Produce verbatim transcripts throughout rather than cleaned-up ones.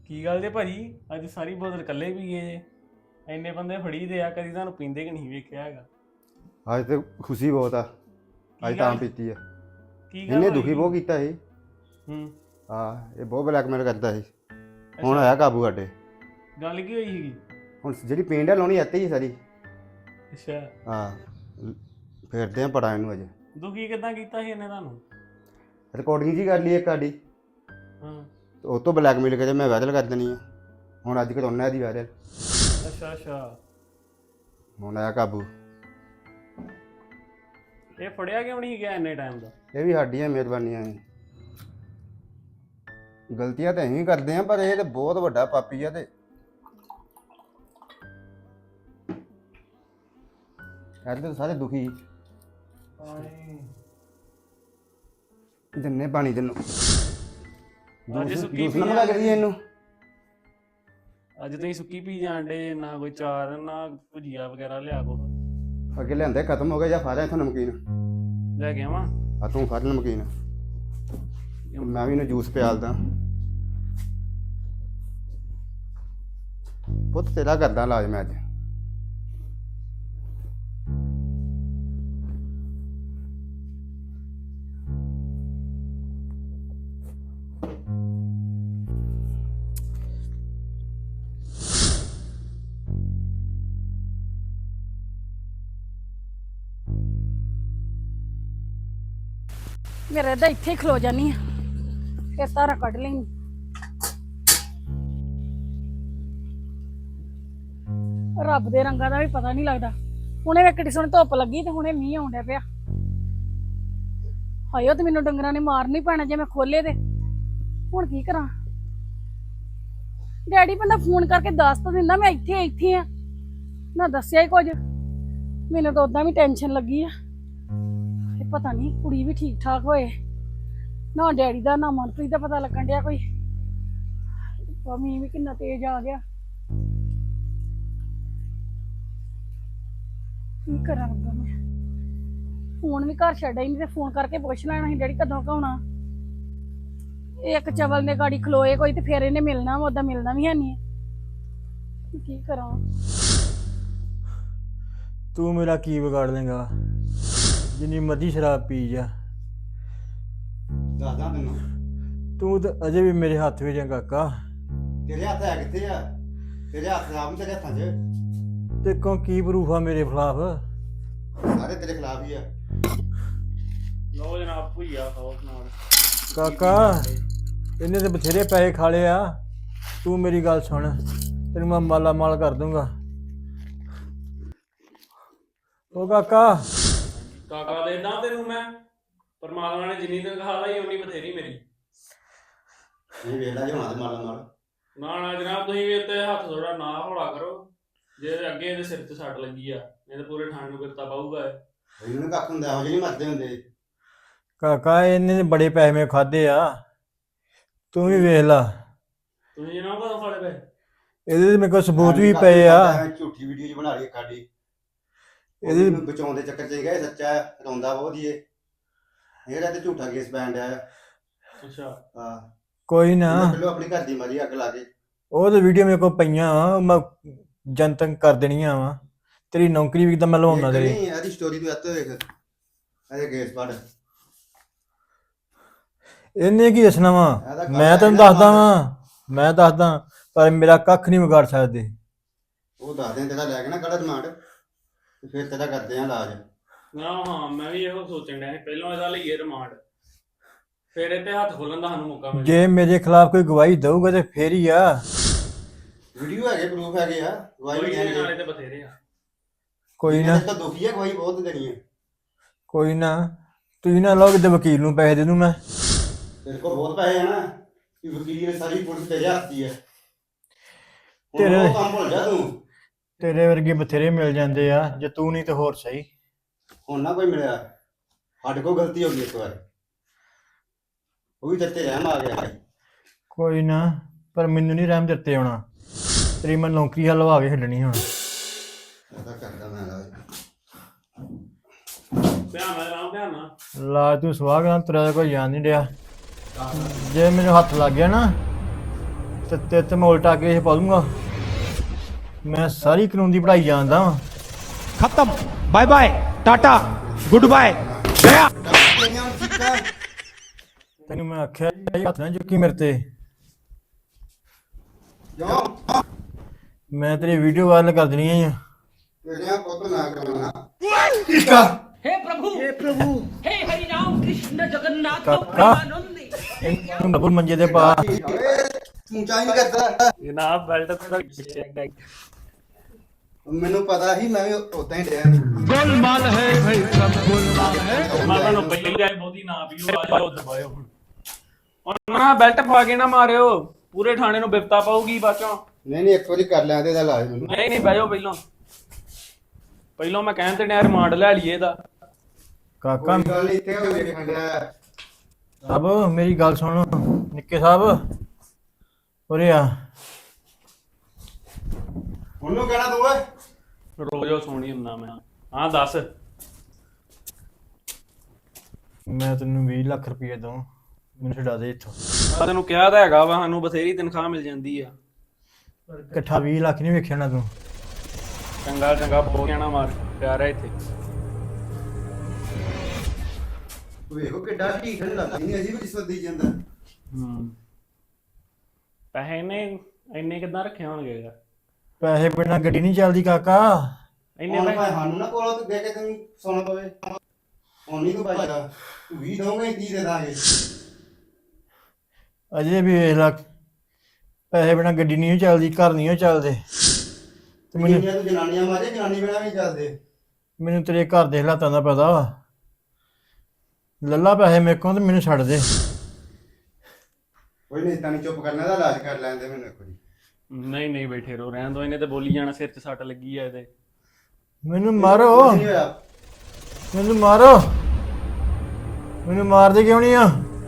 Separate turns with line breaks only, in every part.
ਕੀ ਗੱਲ ਜੇ ਭਾਜੀ ਅੱਜ ਸਾਰੀ ਬੋਤਲ ਇਕੱਲੇ ਪੀ ਗਏ ਜੇ। ਇੰਨੇ ਬੰਦੇ ਫੜੀ ਦੇ ਆ, ਕਦੀ ਤੁਹਾਨੂੰ ਪੀਂਦੇ ਕਿ ਨਹੀਂ ਵੇਖਿਆ ਹੈਗਾ।
ਅੱਜ ਤੇ ਖੁਸ਼ੀ ਬਹੁਤ ਆ।
ਕੀ
ਅੱਜ ਤਾਂ
ਗੱਲ
ਪੀਤੀ ਆ।
ਕੀ ਗੱਲ
ਇਹਨੇ
ਹੋਈ?
ਦੁਖੀ ਬਹੁਤ ਕੀਤਾ ਸੀ।
ਹੂੰ।
ਹਾਂ, ਇਹ ਬਹੁਤ ਬਲੈਕਮੇਲ ਕਰਦਾ ਸੀ। ਹੁਣ ਆਇਆ ਕਾਬੂ ਸਾਡੇ।
ਗੱਲ ਕੀ ਹੋਈ ਸੀਗੀ?
ਹੁਣ ਜਿਹੜੀ ਪੇਂਟ ਆ ਲਾਉਣੀ ਇੱਥੇ ਹੀ ਸਾਰੀ।
ਅੱਛਾ।
ਹਾਂ, ਫੇਰਦੇ ਆ ਪੜਾ ਇਹਨੂੰ ਅਜੇ।
ਦੁਖੀ ਕਿੱਦਾਂ ਕੀਤਾ ਸੀ ਇਹਨੇ ਤੁਹਾਨੂੰ?
ਰਿਕਾਰਡਿੰਗ ਜੀ ਕਰ ਲਈ ਇੱਕ ਸਾਡੀ,
ਹਾਂ।
ਉਹ ਤੋਂ ਬਲੈਕਮੇਲ ਕਰੇ ਮੈਂ ਵਾਇਰਲ ਕਰ ਦੇਣੀ ਆ। ਹੁਣ ਅੱਜ ਕਰਾਉਣਾ ਇਹਦੀ ਵਾਇਰਲ।
ਅੱਛਾ ਅੱਛਾ।
ਹੁਣ ਆਇਆ ਕਾਬੂ।
ਇਹ ਫੜਿਆ ਕਿਉਂ ਨਹੀਂ ਗਿਆ ਇੰਨੇ ਟਾਈਮ ਦਾ?
ਇਹ ਵੀ ਸਾਡੀਆਂ ਮਿਹਰਬਾਨੀਆਂ ਨੇ। ਗਲਤੀਆਂ ਤਾਂ ਅਸੀਂ ਵੀ ਕਰਦੇ ਆ, ਪਰ ਇਹ ਤੇ ਬਹੁਤ ਵੱਡਾ ਪਾਪੀ ਆ। ਤੇ ਅੱਜ ਤਾਂ ਸਾਰੇ ਦੁਖੀ। ਦਿੰਨੇ ਪਾਣੀ ਤੈਨੂੰ।
ਅੱਜ ਸੁੱਕੀ
ਜੂਸ
ਪੀ
ਨਾ ਮੰਗਾ ਕੇ ਦਈਏ ਇਹਨੂੰ।
ਅੱਜ ਤੁਸੀਂ ਸੁੱਕੀ ਪੀ ਜਾਣ ਡੇ, ਨਾ ਕੋਈ ਚਾਰ ਨਾ ਭੁਜੀਆ ਵਗੈਰਾ ਲਿਆ ਕੋ।
ਅੱਗੇ ਲਿਆਂਦੇ ਖਤਮ ਹੋ ਗਏ ਜਾਂ ਫਾਰਿਆ ਇੱਥੋਂ ਨਮਕੀਨ।
ਲੈ ਕੇ ਆਵਾਂ?
ਆ ਤੂੰ ਫੜ ਨਮਕੀਨ, ਮੈਂ ਵੀ ਇਹਨੂੰ ਜੂਸ ਪਿਆਲਦਾ। ਪੁੱਤ ਤੇਰਾ ਕਰਦਾ ਇਲਾਜ ਮੈਂ ਅੱਜ।
ਮੇਰੇ ਤਾਂ ਇੱਥੇ ਹੀ ਖਲੋ ਜਾਨੀ ਆ, ਫਿਰ ਤਾਰਾ ਕੱਢ ਲੈਣੀ। ਰੱਬ ਦੇ ਰੰਗਾਂ ਦਾ ਵੀ ਪਤਾ ਨਹੀਂ ਲੱਗਦਾ। ਹੁਣੇ ਵੇ ਕਿੱਡੀ ਸੋਹਣੀ ਧੁੱਪ ਲੱਗੀ ਤੇ ਹੁਣੇ ਮੀਂਹ ਆਉਣ ਡਿਆ ਪਿਆ। ਹਾਇਓ ਤੇ ਮੈਨੂੰ ਡੰਗਰਾਂ ਨੇ ਮਾਰਨ ਹੀ ਪੈਣਾ ਜੇ ਮੈਂ ਖੋਲੇ ਤੇ। ਹੁਣ ਕੀ ਕਰਾਂ? ਡੈਡੀ ਬੰਦਾ ਫੋਨ ਕਰਕੇ ਦੱਸ ਤਾਂ ਦਿੰਦਾ ਮੈਂ ਇੱਥੇ ਇੱਥੇ ਆ, ਨਾ ਦੱਸਿਆ ਹੀ ਕੁਝ। ਮੈਨੂੰ ਤਾਂ ਉਦਾਂ ਵੀ ਟੈਨਸ਼ਨ ਲੱਗੀ ਆ। ਪਤਾ ਨਹੀਂ ਕੁੜੀ ਵੀ ਠੀਕ ਠਾਕ ਹੋਏ, ਨਾ ਡੈਡੀ ਦਾ ਨਾ ਮਨਪ੍ਰੀਤ ਦਾ ਪਤਾ ਲੱਗਣ ਡਿਆ ਕੋਈ। ਮੀਂਹ ਵੀ ਕਿੰਨਾ ਤੇਜ਼ ਆ ਗਿਆ। ਕੀ ਕਰਾਂ ਰੱਬਾ ਮੈਂ? ਫੋਨ ਵੀ ਘਰ ਛੱਡਿਆ ਹੀ ਨਹੀਂ ਤੇ ਫੋਨ ਕਰਕੇ ਪੁੱਛ ਲੈਣਾ ਸੀ ਡੈਡੀ ਕਦੋਂ ਕਾਉਣਾ। ਇੱਕ ਚਵਲ ਨੇ ਗਾੜੀ ਖਲੋਏ ਕੋਈ ਤੇ ਫਿਰ ਇਹਨੇ ਮਿਲਣਾ ਵਾ, ਓਦਾਂ ਮਿਲਣਾ ਵੀ ਹੈ ਨਹੀਂ। ਕੀ ਕਰਾਂ?
ਤੂੰ ਮੇਰਾ ਕੀ ਵਿਗਾੜ ਲੇਗਾ? ਜਿੰਨੀ ਮਰਜ਼ੀ ਸ਼ਰਾਬ ਪੀ ਜਾ,
ਦੱਸਦਾ ਤੈਨੂੰ।
ਤੂੰ ਤਾਂ ਅਜੇ ਵੀ ਮੇਰੇ ਹੱਥ ਵਿੱਚ ਆ ਕਾਕਾ।
ਤੇਰੇ ਹੱਥ ਹੈ ਕਿੱਥੇ ਆ? ਤੇਰੇ ਹੱਥ ਖਰਾਬ ਨਹੀਂ, ਤੇਰੇ ਹੱਥਾਂ 'ਚ।
ਤੇ ਕੋ ਕੀ ਪ੍ਰੂਫ ਆ ਮੇਰੇ ਖਿਲਾਫ?
ਸਾਰੇ ਤੇਰੇ ਖਿਲਾਫ ਹੀ ਆ।
ਲਓ ਜਨਾਬ ਭੁਜੀਆ ਖਾਓ ਨਾਲ।
ਕਾਕਾ ਇਹਨੇ ਤੇ ਬਥੇਰੇ ਪੈਸੇ ਖਾ ਲਏ ਆ। ਤੂੰ ਮੇਰੀ ਗੱਲ ਸੁਣ, ਤੈਨੂੰ ਮੈਂ ਮਾਲਾ ਮਾਲ ਕਰ ਦੂੰਗਾ। ਉਹ ਕਾਕਾ
ਕਾਕਾ ਦੇਦਾ ਤੈਨੂੰ ਮੈਂ। ਪਰਮਾਤਮਾ ਨੇ ਜਿੰਨੀ ਤਨਖਾਹ ਲਾਈ ਉਨੀ ਬਥੇਰੀ ਮੇਰੀ।
ਇਹ ਵੇਲਾ ਜਿਹਾ ਹੋਣਾ ਤੇ ਮਾਲਾ ਮਾਲ।
ਨਾ ਨਾ ਜਨਾਬ, ਤੁਸੀਂ ਵੀ ਉੱਤੇ ਹੱਥ ਥੋੜਾ ਨਾ ਹੌਲਾ ਕਰੋ। ਜੇ ਅੱਗੇ ਇਹਦੇ ਸਿਰ ਤੇ ਸੱਟ ਲੱਗੀ ਆ, ਇਹ ਤਾਂ ਪੂਰੇ ਠਾਣ ਨੂੰ ਕਿਰਤਾ ਪਾਊਗਾ।
ਇਹਨੂੰ ਕੱਖ ਹੁੰਦਾ, ਇਹੋ ਜਿਹੇ ਨਹੀਂ ਮਰਦੇ ਹੁੰਦੇ।
ਕਾਕਾ ਇਹਨੇ ਬੜੇ ਪੈਸੇ ਮੇ ਖਾਦੇ ਆ, ਤੂੰ ਵੀ ਵੇਖ ਲਾ।
ਤੁਸੀਂ ਜਨਾਬ ਕਦੋਂ ਫੜੇ ਪਏ?
ਇਹਦੇ ਤੇ ਮੇਰੇ ਕੋਲ ਸਬੂਤ ਵੀ ਪਏ ਆ।
ਝੂਠੀ ਵੀਡੀਓ ਜੀ ਬਣਾ ਲਈ ਸਾਡੀ।
ਇਹਦੇ
ਇਹਨੂੰ ਬਚਾਉਣ ਦੇ ਚੱਕਰ 'ਚ ਗਿਆ ਸੱਚਾ ਰੋਂਦਾ ਬਹੁਤ ਹੀ। ਇਹਦਾ ਤੇ ਝੂਠਾ ਕੇਸ ਪੈਣ ਡਿਆ।
ਅੱਛਾ।
ਹਾਂ,
ਕੋਈ ਨਾ,
ਪਹਿਲਾਂ ਆਪਣੀ ਘਰ ਦੀ ਮਾਰੀ ਅੱਗ ਲਾ ਕੇ।
ਉਹ ਤੇ ਵੀਡੀਓ ਮੇਰੇ ਕੋਲ ਪਈਆਂ ਵਾ, ਮੈਂ ਜਨਤਕ ਕਰ ਦੇਣੀਆਂ ਵਾ। ਤੇਰੀ ਨੌਕਰੀ ਵੀ ਤਾਂ ਮੈਂ ਲਵਾਉਣਾ ਤੇਰੀ।
ਨਹੀਂ, ਇਹਦੀ ਸਟੋਰੀ ਤੂੰ ਇੱਥੇ ਵੇਖ। ਇਹਦੇ ਕੇਸ ਪੜ।
ਇਹਨੇ ਕੀ ਦੱਸਣਾ ਵਾ? ਮੈਂ ਤੈਨੂੰ ਦੱਸਦਾ ਵਾਂ, ਮੈਂ ਦੱਸਦਾ, ਪਰ ਮੇਰਾ ਕੱਖ ਨਹੀਂ ਵਿਗਾੜ ਸਕਦੇ।
ਉਹ ਦੱਸ ਦੇ ਤੇਰਾ ਲੈ ਕੇ ਨਾ ਕੱਢ ਰਿਮਾਂਡ, ਤੇ ਫਿਰ ਤੇਰਾ ਕਰਦੇ ਆ ਇਲਾਜ।
ਨਾ ਹਾਂ, ਮੈਂ ਵੀ ਇਹੋ ਸੋਚਣ ਡਿਆ ਸੀ ਪਹਿਲਾਂ ਇਹਦਾ ਲਈਏ ਰਿਮਾਂਡ, ਫਿਰ ਇਹ ਤੇ ਹੱਥ ਖੋਲਣ ਦਾ ਸਾਨੂੰ ਮੌਕਾ ਮਿਲੇ।
ਜੇ ਮੇਰੇ ਖਿਲਾਫ ਕੋਈ ਗਵਾਹੀ ਦਊਗਾ ਤੇ ਫੇਰ ਹੀ ਆ।
ਵੀਡੀਓ ਹੈਗੇ, ਪ੍ਰੂਫ ਹੈਗੇ ਆ। ਗਵਾਹੀ
ਕੋਈ
ਦੇਣਗੇ
ਨਾਲੇ ਤੇ ਬਥੇਰੇ ਆ।
ਕੋਈ ਨਾ,
ਤਾਂ ਦੁਖੀ ਆ, ਗਵਾਹੀ ਬਹੁਤ ਦੇਣੀ ਹੈ।
ਕੋਈ ਨਾ, ਤੁਸੀਂ ਨਾ ਲਓ ਕਿਤੇ ਵਕੀਲ ਨੂੰ ਪੈਸੇ ਦੇ ਦੂੰ ਮੈਂ।
ਤੇਰੇ ਕੋਲ ਬਹੁਤ ਪੈਸੇ ਆ ਨਾ, ਕਿ ਵਕੀਲ ਨੇ ਸਾਰੀ ਪੁਲਿਸ ਤੇਰੇ ਹੱਥ ਦੀ ਹੈ।
ਤੇਰੇ
ਉਹ ਕੰਮ ਭੁੱਲ ਜਾ ਤੂੰ।
ਤੇਰੇ ਵਰਗੇ ਬਥੇਰੇ ਮਿਲ ਜਾਂਦੇ ਆ, ਜੇ ਤੂੰ ਨਹੀਂ ਤੇ ਹੋਰ ਸਹੀ।
ਹੁਣ ਨਾ ਕੋਈ ਮਿਲਿਆ, ਸਾਡੇ ਕੋਲ ਗਲਤੀ ਹੋ ਗਈ ਇੱਕ ਵਾਰ, ਉਹ ਵੀ ਤੇਰੇ ਤੇ ਰਹਿਮ ਆ ਗਿਆ।
ਕੋਈ ਨਾ, ਪਰ ਮੈਨੂੰ ਨਹੀਂ ਰਹਿਮ ਦਿੱਤੇ ਆਉਣਾ। ਤੇਰੀ ਮੈਂ ਨੌਕਰੀ ਹਲਵਾ ਕੇ ਛੱਡਣੀ ਹੁਣ।
ਇਹਦਾ ਕਰਦਾ ਮੈਂ ਇਲਾਜ।
ਧਿਆਨ ਨਾਲ ਰਾਮ, ਧਿਆਨ ਨਾਲ।
ਲਾ ਤੂੰ ਸੁਆਹ ਗਾ, ਤੇਰਾ ਕੋਈ ਯਾਦ ਨਹੀਂ ਡਿਆ। ਜੇ ਮੈਨੂੰ ਹੱਥ ਲੱਗ ਗਿਆ ਨਾ ਤੇ ਤੇ ਤੇ ਮੈਂ ਉਲਟਾ ਕੇਸ ਪਾ ਦੂੰਗਾ। ਮੈਂ ਸਾਰੀ ਕਾਨੂੰਨ ਦੀ ਪੜ੍ਹਾਈ ਜਾਣਦਾ ਵਾਂ।
खत्म bye bye tata good bye गया।
ਤੇਰੀਆਂ ਚੀਕਾਂ
ਤੈਨੂੰ ਮੈਂ ਆਖਿਆ ਸੀ ਹੱਥ ਨਾ ਚੁੱਕੀ ਮੇਰੇ ਤੇ।
ਜੋ
ਮੈਂ ਤੇਰੀ ਵੀਡੀਓ ਵਾਇਰਲ ਕਰ ਦੇਣੀ ਆ।
ਤੇਰੀਆਂ ਪੁੱਤ ਨਾ ਕਰਨਾ
हे प्रभु हे प्रभु हे हरि राम कृष्ण जगन्नाथ
काका।
प्रेमानंद
ਇਹਨੂੰ ਡਬਲ ਮੰਜੇ ਤੇ ਪਾ।
ਓਏ ਤੂੰ ਚਾਹ ਨਹੀਂ ਕਰਦਾ।
ਜਨਾਬ ਬੈਲਟ ਤਾਂ ਪਿੱਛੇ
ਮੈਨੂੰ ਪਤਾ ਸੀ ਮੈਂ ਵੀ ਉਦਾਂ ਹੀ ਡਿਆ
गोलमाल है भाई सब गोलमाल है।
ਮੈਂ ਤੁਹਾਨੂੰ ਪਹਿਲਾਂ ਹੀ ਆਏ ਬਹੁਤੀ ਨਾ ਪੀਓ ਆ ਜਾਓ ਦਬਾਇਓ ਹੁਣ ਹੁਣ ਨਾ ਬੈਲਟ ਪਾ ਕੇ ਨਾ ਮਾਰਿਓ ਪੂਰੇ ਥਾਣੇ ਨੂੰ ਬਿਪਤਾ ਪਾਊਗੀ ਬਾਚੋਂ।
ਨਹੀਂ ਨਹੀਂ ਇੱਕ ਵਾਰੀ ਕਰ ਲਿਆ ਤੇ ਇਹਦਾ ਇਲਾਜ ਮੈਨੂੰ
ਨਹੀਂ ਨਹੀਂ ਬਹਿ ਜਾਓ ਪਹਿਲਾਂ ਪਹਿਲਾਂ ਮੈਂ ਕਹਿਣ ਤੇ ਡਿਆ ਰਿਮਾਂਡ ਲੈ ਲਈਏ ਇਹਦਾ।
ਕਾਕਾ
ਕੋਈ ਗੱਲ ਨੀ, ਇੱਥੇ ਹੋ ਵੇਖਣ ਡਿਆ
ਸਾਹਿਬ ਮੇਰੀ ਗੱਲ ਸੁਣ। ਨਿੱਕੇ ਸਾਹਿਬ ਉਰੇ ਆ।
ਉਹਨੂੰ ਕਹਿਣਾ ਤੂੰ ਓਏ
ਰੋਜ਼ੋ ਸੋਣੀ ਹੁੰਦਾ ਮੈਂ। ਹਾਂ ਦੱਸ।
ਮੈਂ ਤੈਨੂੰ ਵੀਹ ਲੱਖ ਰੁਪਏ ਦਊਂ, ਮੈਨੂੰ ਛਡਾ ਦੇ ਇੱਥੋਂ।
ਮੈਂ ਤੈਨੂੰ ਕਿਹਾ ਤਾਂ ਹੈਗਾ ਵਾ ਸਾਨੂੰ ਬਥੇਰੀ ਤਨਖਾਹ ਮਿਲ ਜਾਂਦੀ ਆ।
ਇਕੱਠਾ ਵੀਹ ਲੱਖ ਨਹੀਂ ਵੇਖਿਆ ਨਾ ਤੂੰ।
ਚੰਗਾ ਚੰਗਾ ਬਹੁਤ ਕਹਿਣਾ ਮਾਰ ਪਿਆਰਾ ਇੱਥੇ।
ਵੇਖੋ ਕਿੱਡਾ ਢੀਠ ਲੱਗਦਾ ਨਹੀਂ ਅਜੀਬ ਰਿਸ਼ਵਤ ਜਾਂਦਾ।
ਹੂੰ ਪੈਸੇ ਨੇ ਇੰਨੇ ਕਿੱਦਾਂ ਰੱਖੇ ਹੋਣਗੇ ਯਾਰ?
ਪੈਸੇ ਬਿਨਾਂ ਗੱਡੀ ਨਹੀਂ ਚੱਲਦੀ ਕਾਕਾ।
ਇੰਨੇ
ਹੁਣ
ਪੈਸੇ
ਭਾਵੇਂ ਸਾਨੂੰ ਨਾ ਕੋਲੋਂ ਤੇ ਦੇ ਕੇ ਤੈਨੂੰ ਸੋਨਾ ਪਵੇ ਹੁਣ ਨਹੀਂ ਤੂੰ ਭਾਜਾ ਵੀਹ ਦਊਂਗੇ ਤੀਹ ਦੇ ਦਾਂਗੇ।
ਅਜੇ ਵੀ ਵੇਖ ਲਾ ਪੈਸੇ ਬਿਨਾਂ ਗੱਡੀ ਨਹੀਂ ਚੱਲਦੀ, ਘਰ ਨਹੀਂ ਚੱਲਦੇ। ਤੇ ਮੈਨੂੰ
ਜਿੰਨੀਆਂ ਤੂੰ ਜਨਾਨੀਆਂ ਮਾਰੇ ਜਨਾਨੀ ਬਿਨਾਂ ਵੀ ਨੀ ਚੱਲਦੇ।
ਮੈਨੂੰ ਤੇਰੇ ਘਰ ਦੇ ਹਾਲਾਤਾਂ ਦਾ ਪਤਾ ਵਾ। ਲੱਲਾ ਪੈਸੇ ਮੇਰੇ ਕੋਲ ਤੇ ਮੈਨੂੰ ਛੱਡ ਦੇ।
ਕੋਈ ਨਹੀਂ ਤਾਂ ਨਹੀਂ ਚੁੱਪ ਕਰਨਾ ਦਾ ਇਲਾਜ ਕਰ ਲੈਂਦੇ ਮੈਨੂੰ ਇੱਕ ਵਾਰੀ।
ਨਹੀਂ ਨਹੀਂ ਬੈਠੇ ਰਹੋ ਰਹਿਣ ਦੋ। ਇਹਨੇ ਤੇ ਬੋਲੀ ਜਾਣਾ ਸਿਰ 'ਚ ਸੱਟ ਲੱਗੀ ਆ ਇਹਦੇ।
ਮੈਨੂੰ ਮਾਰੋ,
ਕੁਛ ਨੀ ਹੋਇਆ।
ਮੈਨੂੰ ਮਾਰੋ। ਮੈਨੂੰ ਮਾਰਦੇ ਕਿਉਂ ਨਹੀਂ ਆ?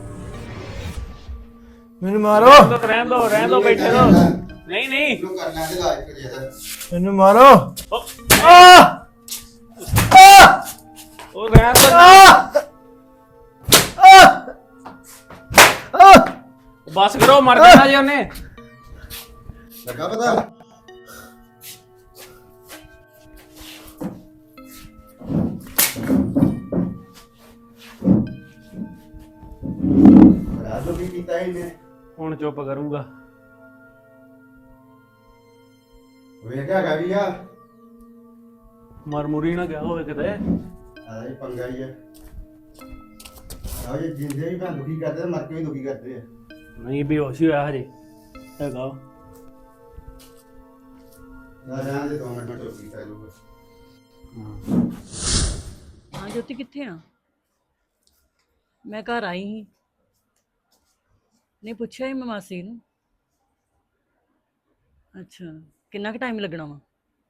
ਮੈਨੂੰ ਮਾਰੋ,
ਰਹਿਣ ਦੋ ਰਹਿਣ ਦੋ ਰਹਿਣ ਦੋ ਬੈਠੇ ਰਹੋ। ਨਹੀਂ ਨਹੀਂ
ਇਹਨੂੰ ਕਰ ਲੈਂਦੇ ਇਲਾਜ ਕਰੀਏ ਇਹਦਾ।
ਮੈਨੂੰ ਮਾਰੋ।
ਉਹ-
ਆ ਆ
ਉਹ ਰਹਿਣ ਦੋ।
ਆ
ਬਸ ਕਰੋ ਮਰ ਜਾਣਾ ਜੀ ਉਹਨੇ।
ਲੱਗਾ ਪਤਾ ਬੜਾ ਲੋਕੀ ਕੀਤਾ ਇਹਨੇ।
ਹੁਣ ਚੁੱਪ ਕਰੂੰਗਾ।
ਵੇਖਿਆ ਗਾ ਵੀ ਆ
ਮਰ ਮੁਰੀ ਨਾ ਗਿਆ ਹੋਵੇ ਕਿਤੇ।
ਆਦਾ ਇਹ ਪੰਗਾ ਹੀ ਆ। ਆਹ ਜੇ ਜਿੰਦੇ ਵੀ ਭੈਣ ਦੁਖੀ ਕਰਦੇ ਤੇ ਮਰ ਕੇ ਵੀ ਦੁਖੀ ਕਰਦੇ ਆ।
ਨਹੀਂ ਬੇਹੋਸ਼ ਹੀ ਹੋਇਆ ਹਜੇ ਹੈਗਾ।
ਨਾ ਜਾਣ ਦੇ ਦੋ ਮਿੰਟ ਮੈਂ ਚੁੱਪ ਕੀਤਾ ਲੂਗਾ।
ਹਾਂ ਜੋਤੀ ਕਿੱਥੇ ਆ? ਮੈਂ ਘਰ ਆਈ ਸੀ। ਨਹੀਂ ਪੁੱਛਿਆ ਹੀ ਮੈਂ ਮਾਸੀ ਨੂੰ। ਅੱਛਾ ਕਿੰਨਾ ਕੁ ਟਾਈਮ ਲੱਗਣਾ ਵਾ?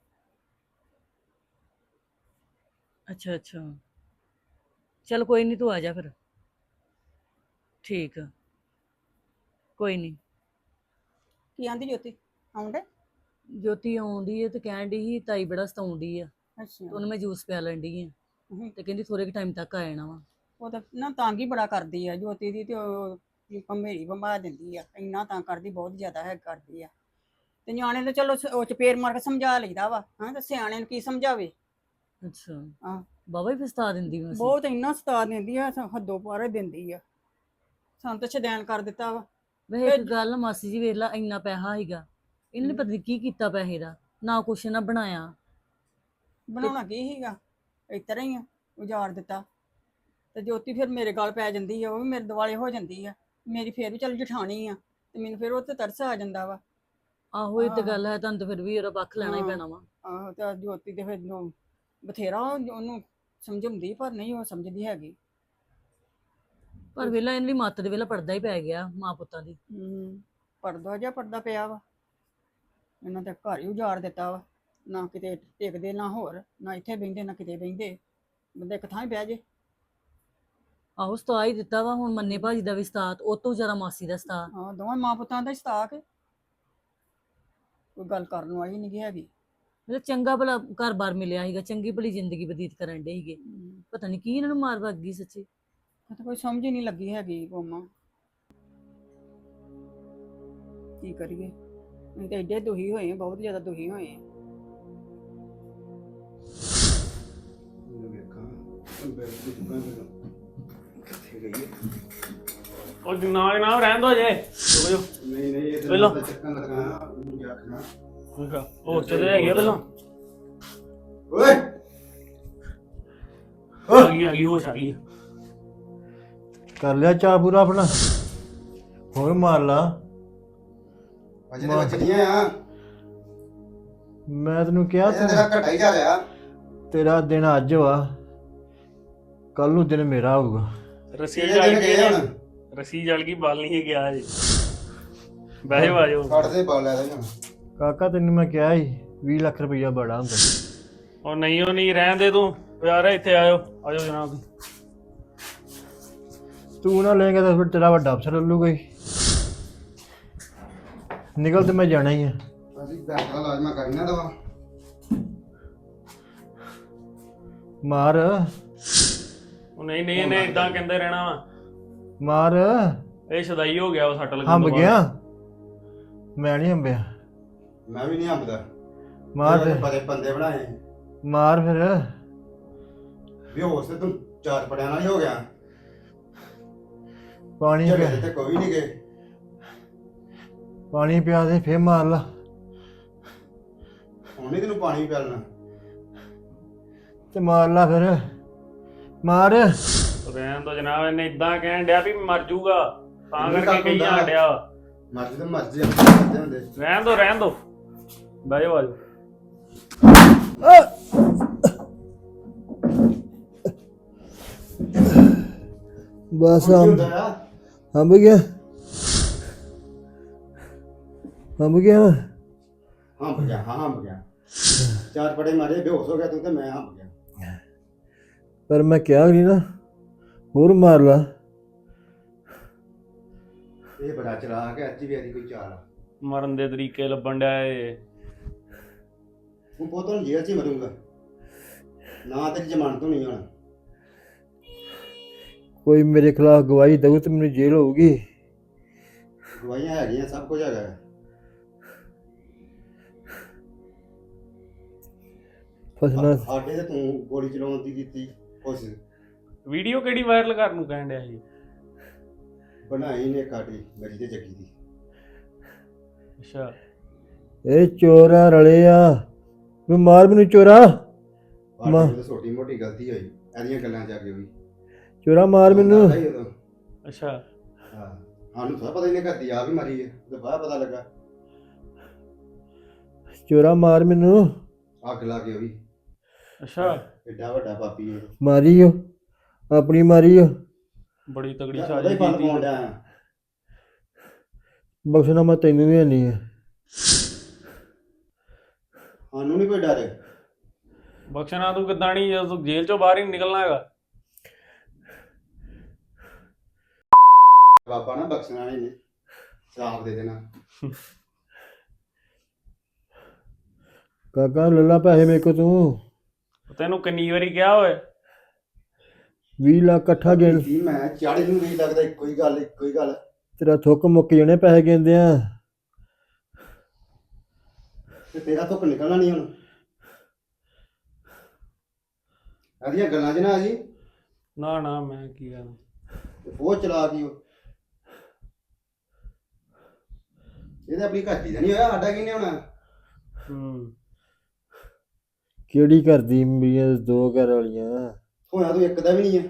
ਅੱਛਾ ਅੱਛਾ ਚਲ ਕੋਈ ਨਹੀਂ ਤੂੰ ਆ ਜਾ ਫਿਰ। ਠੀਕ ਆ ਕੋਈ ਨਹੀਂ।
ਕੀ ਆਂਦੀ ਜੋਤੀ ਆਉਂਦੇ?
ਜੋਤੀ ਆਉਂਦੀ ਹੈ ਤੇ ਕਹਿਣ ਡਈ ਸੀ ਤਾਈ ਬੜਾ ਸਤਾਉਂਦੀ ਆ ਤੇ
ਅੱਛਾ
ਉਹਨੂੰ ਮੈਂ ਜੂਸ ਪਿਆ ਲੈਂਦੀ ਆ
ਹਮ,
ਤੇ ਕਹਿੰਦੀ ਥੋੜੇ ਕੁ ਟਾਈਮ ਤੱਕ ਆ ਜਾਣਾ ਵਾ।
ਉਹ ਤਾਂ ਨਾ ਤੰਗ ਹੀ ਬੜਾ ਕਰਦੀ ਆ ਜੋਤੀ ਦੀ ਤੇ ਉਹ ਭੰਮੇਰੀ ਬੰਮਾ ਦਿੰਦੀ ਆ ਇੰਨਾ ਤੰਗ ਕਰਦੀ ਬਹੁਤ ਜ਼ਿਆਦਾ ਹੈ ਕਰਦੀ ਆ ਤੇ ਨਿਆਣੇ ਤਾਂ ਚਲੋ ਸ- ਉਹ ਚਪੇੜ ਮਾਰ ਕੇ ਸਮਝਾ ਲਈਦਾ ਵਾ ਹਾਂ ਤੇ ਸਿਆਣੇ ਨੂੰ ਕੀ ਸਮਝਾਵੇ।
ਅੱਛਾ
ਹਾਂ
ਬਾਬਾ ਹੀ ਫਸਤਾ ਦਿੰਦੀ ਮੈਂ
ਬਹੁਤ ਇੰਨਾ ਸਤਾ ਦਿੰਦੀ ਆ ਸ- ਹੱਦੋਂ ਪਾਰੇ ਦਿੰਦੀ ਆ ਸਾਨੂੰ ਤਾਂ ਛਦੈਨ ਕਰ ਦਿੱਤਾ ਵਾ।
ਵੈਸੇ ਇੱਕ ਗੱਲ ਆ, ਮਾਸੀ ਜੀ ਵੇਖ ਲਾ ਇੰਨਾ ਪੈਸਾ ਸੀਗਾ ਇਹਨੇ ਪਤਾ ਨੀ ਕੀ ਕੀਤਾ ਪੈਸੇ ਦਾ, ਨਾ ਕੁਛ ਨਾ ਬਣਾਇਆ।
ਬਣਾਉਣਾ ਕੀ ਸੀਗਾ ਇਸ ਤਰ੍ਹਾਂ ਹੀ ਆ ਉਜਾੜ ਦਿੱਤਾ ਤੇ ਜੋਤੀ ਫਿਰ ਮੇਰੇ ਗਲ ਪੈ ਜਾਂਦੀ ਆ ਉਹ ਵੀ ਮੇਰੇ ਦੁਆਲੇ ਹੋ ਜਾਂਦੀ ਆ। ਮੇਰੀ ਫਿਰ ਵੀ ਚੱਲ ਜਠਾਣੀ ਆ ਤੇ ਮੈਨੂੰ ਫਿਰ ਉਹ ਤੇ ਤਰਸ ਆ ਜਾਂਦਾ ਵਾ।
ਆਹੋ ਇਹ ਤੇ
ਹਾਂ।
ਗੱਲ ਹੈ, ਤੁਹਾਨੂੰ ਤਾਂ ਫਿਰ ਵੀ ਉਹਦਾ ਪੱਖ ਲੈਣਾ ਹੀ
ਹਾਂ।
ਪੈਣਾ ਵਾ।
ਆਹੋ ਤੇ ਜੋਤੀ ਤੇ ਫਿਰ ਨੂੰ ਬਥੇਰਾ ਉਹ- ਉਹਨੂੰ ਸਮਝਾਉਂਦੀ ਪਰ ਨਹੀਂ ਉਹ ਸਮਝਦੀ ਹੈਗੀ।
ਪਰ ਵੇਲਾ ਇਹਨਾਂ ਦੀ ਮੱਤ ਦੇ ਵੇਲਾ ਪੜਦਾ ਹੀ ਪੈ ਗਿਆ ਮਾਂ ਪੁੱਤਾਂ ਦੀ।
ਹੂੰ ਪਰਦਾ ਜਿਹਾ ਪਰਦਾ ਪਿਆ ਵਾ ਇਹਨਾਂ ਤੇ ਘਰ ਹੀ ਉਜਾੜ ਦਿੱਤਾ ਵਾ। ਨਾ ਕਿਤੇ ਟਿਕਦੇ ਨਾ ਹੋਰ ਨਾ ਇੱਥੇ ਬਹਿੰਦੇ ਨਾ ਕਿਤੇ ਬਹਿੰਦੇ ਬੰਦੇ ਇੱਕ ਥਾਂ ਹੀ ਬਹਿ ਜੇ।
ਆਹੋ ਸਤਾ ਹੀ ਦਿੱਤਾ ਵਾ। ਹੁਣ ਮੰਨੇ ਭਾਜੀ ਦਾ ਵੀ ਸਤਾਤ, ਉਹ ਤੋਂ ਜ਼ਿਆਦਾ ਮਾਸੀ ਦਾ ਸਤਾ।
ਹਾਂ ਦੋਵਾਂ ਮਾਂ ਪੁੱਤਾਂ ਦਾ ਹੀ ਸਤਾਕ ਕੋਈ ਗੱਲ ਕਰਨ ਵਾਲੀ ਨਹੀਂ ਹੈਗੀ।
ਮਤਲਬ ਚੰਗਾ ਭਲਾ ਘਰ-ਬਾਰ ਮਿਲਿਆ ਸੀਗਾ, ਚੰਗੀ ਭਲੀ ਜ਼ਿੰਦਗੀ ਬਤੀਤ ਕਰਨ ਡੇ ਸੀਗੇ।
ਹਮ,
ਪਤਾ ਨਹੀਂ ਕੀ ਇਹਨਾਂ ਨੂੰ ਮਾਰ ਵੱਗ ਗਈ ਸੱਚੀ।
ਮੈਨੂੰ ਤਾਂ ਕੋਈ ਸਮਝ ਹੀ ਨਹੀਂ ਲੱਗੀ ਹੈਗੀ ਕੋਮਾ ਕੀ ਕਰੀਏ ਅਸੀਂ ਤਾਂ ਐਡੇ ਦੁਖੀ ਹੋਏ ਹਾਂ, ਬਹੁਤ ਜ਼ਿਆਦਾ ਦੁਖੀ ਹੋਏ ਹਾਂ।
ਮੈਨੂੰ ਵੇਖਾਂ ਅੰਬਰ ਦੀ ਦੁਕਾਨ ਮੈਨੂੰ ਕਿੱਥੇ ਗਈ ਹੈ?
ਉਹ ਨਾ ਨਾ ਰਹਿਣ ਦੋ ਜੇ ਰੁਕ ਜਾਓ
ਨਹੀਂ ਨਹੀਂ ਇਹ
ਪਹਿਲਾਂ।
ਤਾਂ ਚੱਕਣ ਲੱਗਾ ਉਹਨੂੰ ਕੀ ਆਖਣਾ।
ਉਹ ਚਲੇ ਹੈਗੇ ਆ ਪਹਿਲਾਂ
ਓਏ
ਆ ਗਈ ਆ ਗਈ ਹੋਸ਼ ਆ ਗਈ
ਕਰ ਲਿਆ ਚਾਹ ਪੂਰਾ ਆਪਣਾ, ਹੋਰ ਮਾਰ ਲਾ।
ਅਜੇ ਤੇ ਬਚਣੀਆਂ ਆ।
ਮੈਂ ਤੈਨੂੰ ਕਿਹਾ
ਇਹ ਤੇਰਾ ਘਟਾ ਹੀ ਜਾ ਰਿਹਾ।
ਤੇਰਾ ਦਿਨ ਅੱਜ ਵਾ, ਕੱਲ ਨੂੰ ਦਿਨ ਮੇਰਾ ਹੋਊਗਾ।
ਰਸੀ
ਇਹ
ਜਲ
ਦਿਨ
ਗਈ
ਗਏ ਹੁਣ।
ਰਸੀ ਜਲ ਗਈ ਬਲ ਨਹੀਂ ਗਿਆ ਜੀ ਬਹਿ ਜਾਓ ਆ ਜਾਓ
ਕੱਢ ਦੇ ਬਾਲ ਲੈ ਦੇ ਹੁਣ।
ਕਾਕਾ ਤੈਨੂੰ ਮੈਂ ਕਿਹਾ ਸੀ ਵੀਹ ਲੱਖ ਰੁਪਈਆ ਬੜਾ ਹੁੰਦਾ।
ਉਹ ਨਹੀਂ ਉਹ ਨਹੀਂ ਰਹਿਣ ਦੇ ਤੂੰ ਯਾਰ ਇੱਥੇ ਆਇਓ ਆਜੋ ਜਨਾਬ
ਤੂੰ ਨਾ ਲਏਗਾ ਤਾਂ ਫਿਰ ਤੇਰਾ ਵੱਡਾ ਅਫਸਰ ਲੱਲੂਗਾ ਹੀ। ਨਿਕਲ ਤੇ ਮੈਂ ਜਾਣਾ ਹੀ ਆ।
ਅਸੀਂ ਬੈਠਾ ਲਾਜ਼ਮਾ ਕਰਨਾ ਦਵਾ।
ਮਾਰ
ਉਹ ਨਹੀਂ ਨਹੀਂ ਇਹਨੇ ਇਦਾਂ ਕਹਿੰਦੇ ਰਹਿਣਾ ਵਾ
ਮਾਰ,
ਇਹ ਸਦਾਈ ਹੋ ਗਿਆ ਉਹ ਸੱਟ ਲੱਗਣ
ਹੰਬ
ਤੋਂ ਬਾਅਦ।
ਗਿਆ। ਮੈਂ ਨਹੀਂ ਹੰਬਿਆ।
ਮੈਂ ਵੀ ਨਹੀਂ ਹੰਬਦਾ।
ਮਾਰ
ਮੇਰੇ
ਫਿਰ,
ਬੜੇ ਬੰਦੇ ਬਣਾਏ
ਮਾਰ ਫਿਰ।
ਵੀ ਹੋਸ ਤੇ ਤੂੰ ਚਾਰ ਪੜਿਆਂ ਨਾਲ ਹੀ ਹੋ ਗਿਆ।
ਪਾਣੀ
ਝਗੜੇ
ਪਿਆ,
ਤੇ ਕੋਈ ਨਹੀਂ ਗਏ।
ਪਾਣੀ ਪਿਆ ਦੇ ਫੇਰ ਮਾਰ ਲਾ।
ਹੁਣ ਨਹੀਂ ਤੈਨੂੰ ਪਾਣੀ ਪਿਆਲਣਾ।
ਤੇ ਮਾਰ ਲਾ ਫਿਰ, ਮਾਰ।
ਰਹਿਣ ਦੋ ਜਨਾਬ ਇਹਨੇ ਇਦਾਂ ਕਹਿਣ ਡਿਆ ਵੀ ਮਰ ਜਾਊਗਾ ਤਾਂ
ਇਹਨੂੰ
ਕਰਕੇ ਕਹੀ
ਕੱਖ
ਜਾਣ
ਹੁੰਦਾ।
ਡਿਆ
ਮਰਜ਼ੀ ਤਾਂ ਮਰਜ਼ੀ ਆਪਣੇ ਕਰਦੇ ਹੁੰਦੇ।
ਰਹਿਣ ਦੋ ਰਹਿਣ ਦੋ ਬਹਿ ਜਾਓ ਆ ਜਾਓ
ਬਸ
ਹੁਣ ਕੀ ਹੁੰਦਾ ਆ?
ਹੰਬ ਗਿਆ, ਹੰਬ ਗਿਆ।
ਹੰਬ ਗਿਆ ਹਾਂ ਹੰਬ ਗਿਆ। ਚਾਰ ਪੜੇ ਮਾਰੇ ਬੇਹੋਸ਼ ਹੋ ਗਿਆ ਤੂੰ ਤੇ ਮੈਂ ਹੰਬ ਗਿਆ।
ਪਰ ਮੈਂ ਕਿਹਾ ਨਹੀਂ ਨਾ, ਹੋਰ ਮਾਰ ਲਾ।
ਇਹ ਬੜਾ ਚਲਾਕ ਹੈ। ਅੱਜ ਵੀ ਇਹਦੀ ਕੋਈ ਚਾਲ ਆ।
ਮਰਨ ਦੇ ਤਰੀਕੇ ਲੱਭਣ ਡਿਆ ਏ
ਤੂੰ ਪੁੱਤ ਹੁਣ ਜੇਲ੍ਹ 'ਚ ਹੀ ਮਰੂੰਗਾ ਨਾ। ਤੇਰੀ ਜ਼ਮਾਨਤ ਹੋਣੀ ਹੁਣ।
ਕੋਈ ਮੇਰੇ ਖਿਲਾਫ ਗਵਾਹੀ ਦਊ ਤੇ ਮੈਨੂੰ ਜੇਲ੍ਹ ਹੋਊਗੀ।
ਗਵਾਹੀਆਂ ਹੈਗੀਆਂ, ਸਭ ਕੁਝ ਹੈਗਾ ਹੈ।
ਫਸਣਾ
ਸਾਡੇ ਤੇ ਤੂੰ ਗੋਲੀ ਚਲਾਉਣ ਦੀ ਕੀਤੀ ਕੋਸ਼ਿਸ਼।
ਵੀਡੀਓ ਕਿਹੜੀ ਵਾਇਰਲ ਕਰਨ ਨੂੰ ਕਹਿਣ ਡਿਆ ਸੀ
ਬਣਾਈ ਨੇ ਕਾਟੀ ਮੇਰੀ ਤੇ ਜੱਗੀ ਦੀ।
ਅੱਛਾ
ਇਹ ਚੋਰਾ ਰਲੇ ਆ। ਤੂੰ ਮਾਰ ਮੈਨੂੰ ਚੋਰਾ, ਮਾਂ।
ਆਹ ਤੇ ਛੋਟੀ ਮੋਟੀ ਗਲਤੀ ਹੋਈ ਇਹਦੀਆਂ ਗੱਲਾਂ 'ਚ ਆ ਕੇ ਹੋਈ।
ਚੋਰਾ ਮਾਰ ਮੈਨੂੰ।
ਪਤਾ ਹੀ ਉਦੋਂ।
ਅੱਛਾ
ਹਾਂ ਸਾਨੂੰ ਥੋੜਾ ਪਤਾ ਹੀ ਨਹੀਂ ਕਰਦੀ ਆ ਵੀ ਮਰੀ ਹੈ। ਤੇ ਬਾਅਦ ਪਤਾ ਲੱਗਾ
ਚੋਰਾ ਮਾਰ ਮੈਨੂੰ।
ਅੱਗ ਲਾ ਕੇ ਹੋਈ।
ਅੱਛਾ
ਐਡਾ ਵੱਡਾ ਪਾਪੀ ਹੈ।
ਮਾਰੀ ਓ, ਆਪਣੀ ਮਾਰੀ ਓ।
ਬੜੀ ਤਗੜੀ
ਉਹਦਾ
ਸਾਜ਼ਿਸ਼
ਹੀ ਫਲ
ਕੀਤੀ
ਪਾਉਣ ਡਿਆ।
ਬਖਸ਼ਣਾ ਮੈਂ ਤੈਨੂੰ ਵੀ ਨਹੀਂ ਹੈ।
ਸਾਨੂੰ ਨਹੀਂ ਕੋਈ ਡਰ।
ਬਖਸ਼ਣਾ ਤੂੰ ਕਿੱਦਾਂ ਨਹੀਂ ਜਦੋਂ ਤੂੰ ਜੇਲ੍ਹ ਚੋਂ ਬਾਹਰ ਹੀ ਨੀ ਨਿਕਲਣਾ ਹੈਗਾ
ਬਾਬਾ ਨਾ ਬਖਸ਼ਣਾ ਨਹੀਂ, ਸ਼ਰਾਪ ਦੇ ਦੇਣਾ।
ਕਾਕਾ ਲੱਲਾ ਪੈਸੇ ਮੇਰੇ ਕੋ ਤੂੰ।
ਤੈਨੂੰ ਕਿੰਨੀ ਵਾਰੀ ਕਿਹਾ ਓਏ
ਵੀਹ ਲੱਖ ਇਕੱਠਾ ਗਿਣ।
ਕੀ ਮੈਂ ਚਾੜੇ ਨੂੰ ਨਹੀਂ ਲੱਗਦਾ। ਇੱਕੋ ਹੀ ਗੱਲ ਇੱਕੋ ਹੀ ਗੱਲ।
ਤੇਰਾ ਥੁੱਕ ਮੁੱਕ ਜਾਣੇ ਪੈਸੇ ਗਿਣਦੇ ਆ।
ਤੇ ਤੇਰਾ ਧੁੱਪ ਨਿਕਲਣਾ ਨਹੀਂ ਹੁਣ। ਇਹਦੀਆਂ ਗੱਲਾਂ 'ਚ ਨਾ ਆ ਜੀ।
ਨਾ ਨਾ ਮੈਂ ਕੀ ਕਰਾਂ
ਉਹ ਚਲਾ ਗਈ ਉਹ। ਇਹਦੇ ਆਪਣੀ ਘਾਟੀ ਦਾ ਨਹੀਂ ਹੋਇਆ, ਸਾਡਾ ਕਿਹਨੇ ਹੋਣਾ।
ਹੂੰ
ਕਿਹੜੀ ਕਰਦੀ ਮੇਰੀਆਂ ਦੋ ਘਰ ਵਾਲੀਆਂ।
ਹੋਇਆ ਤੂੰ ਇੱਕ ਦਾ ਵੀ ਨਹੀਂ ਹੈ।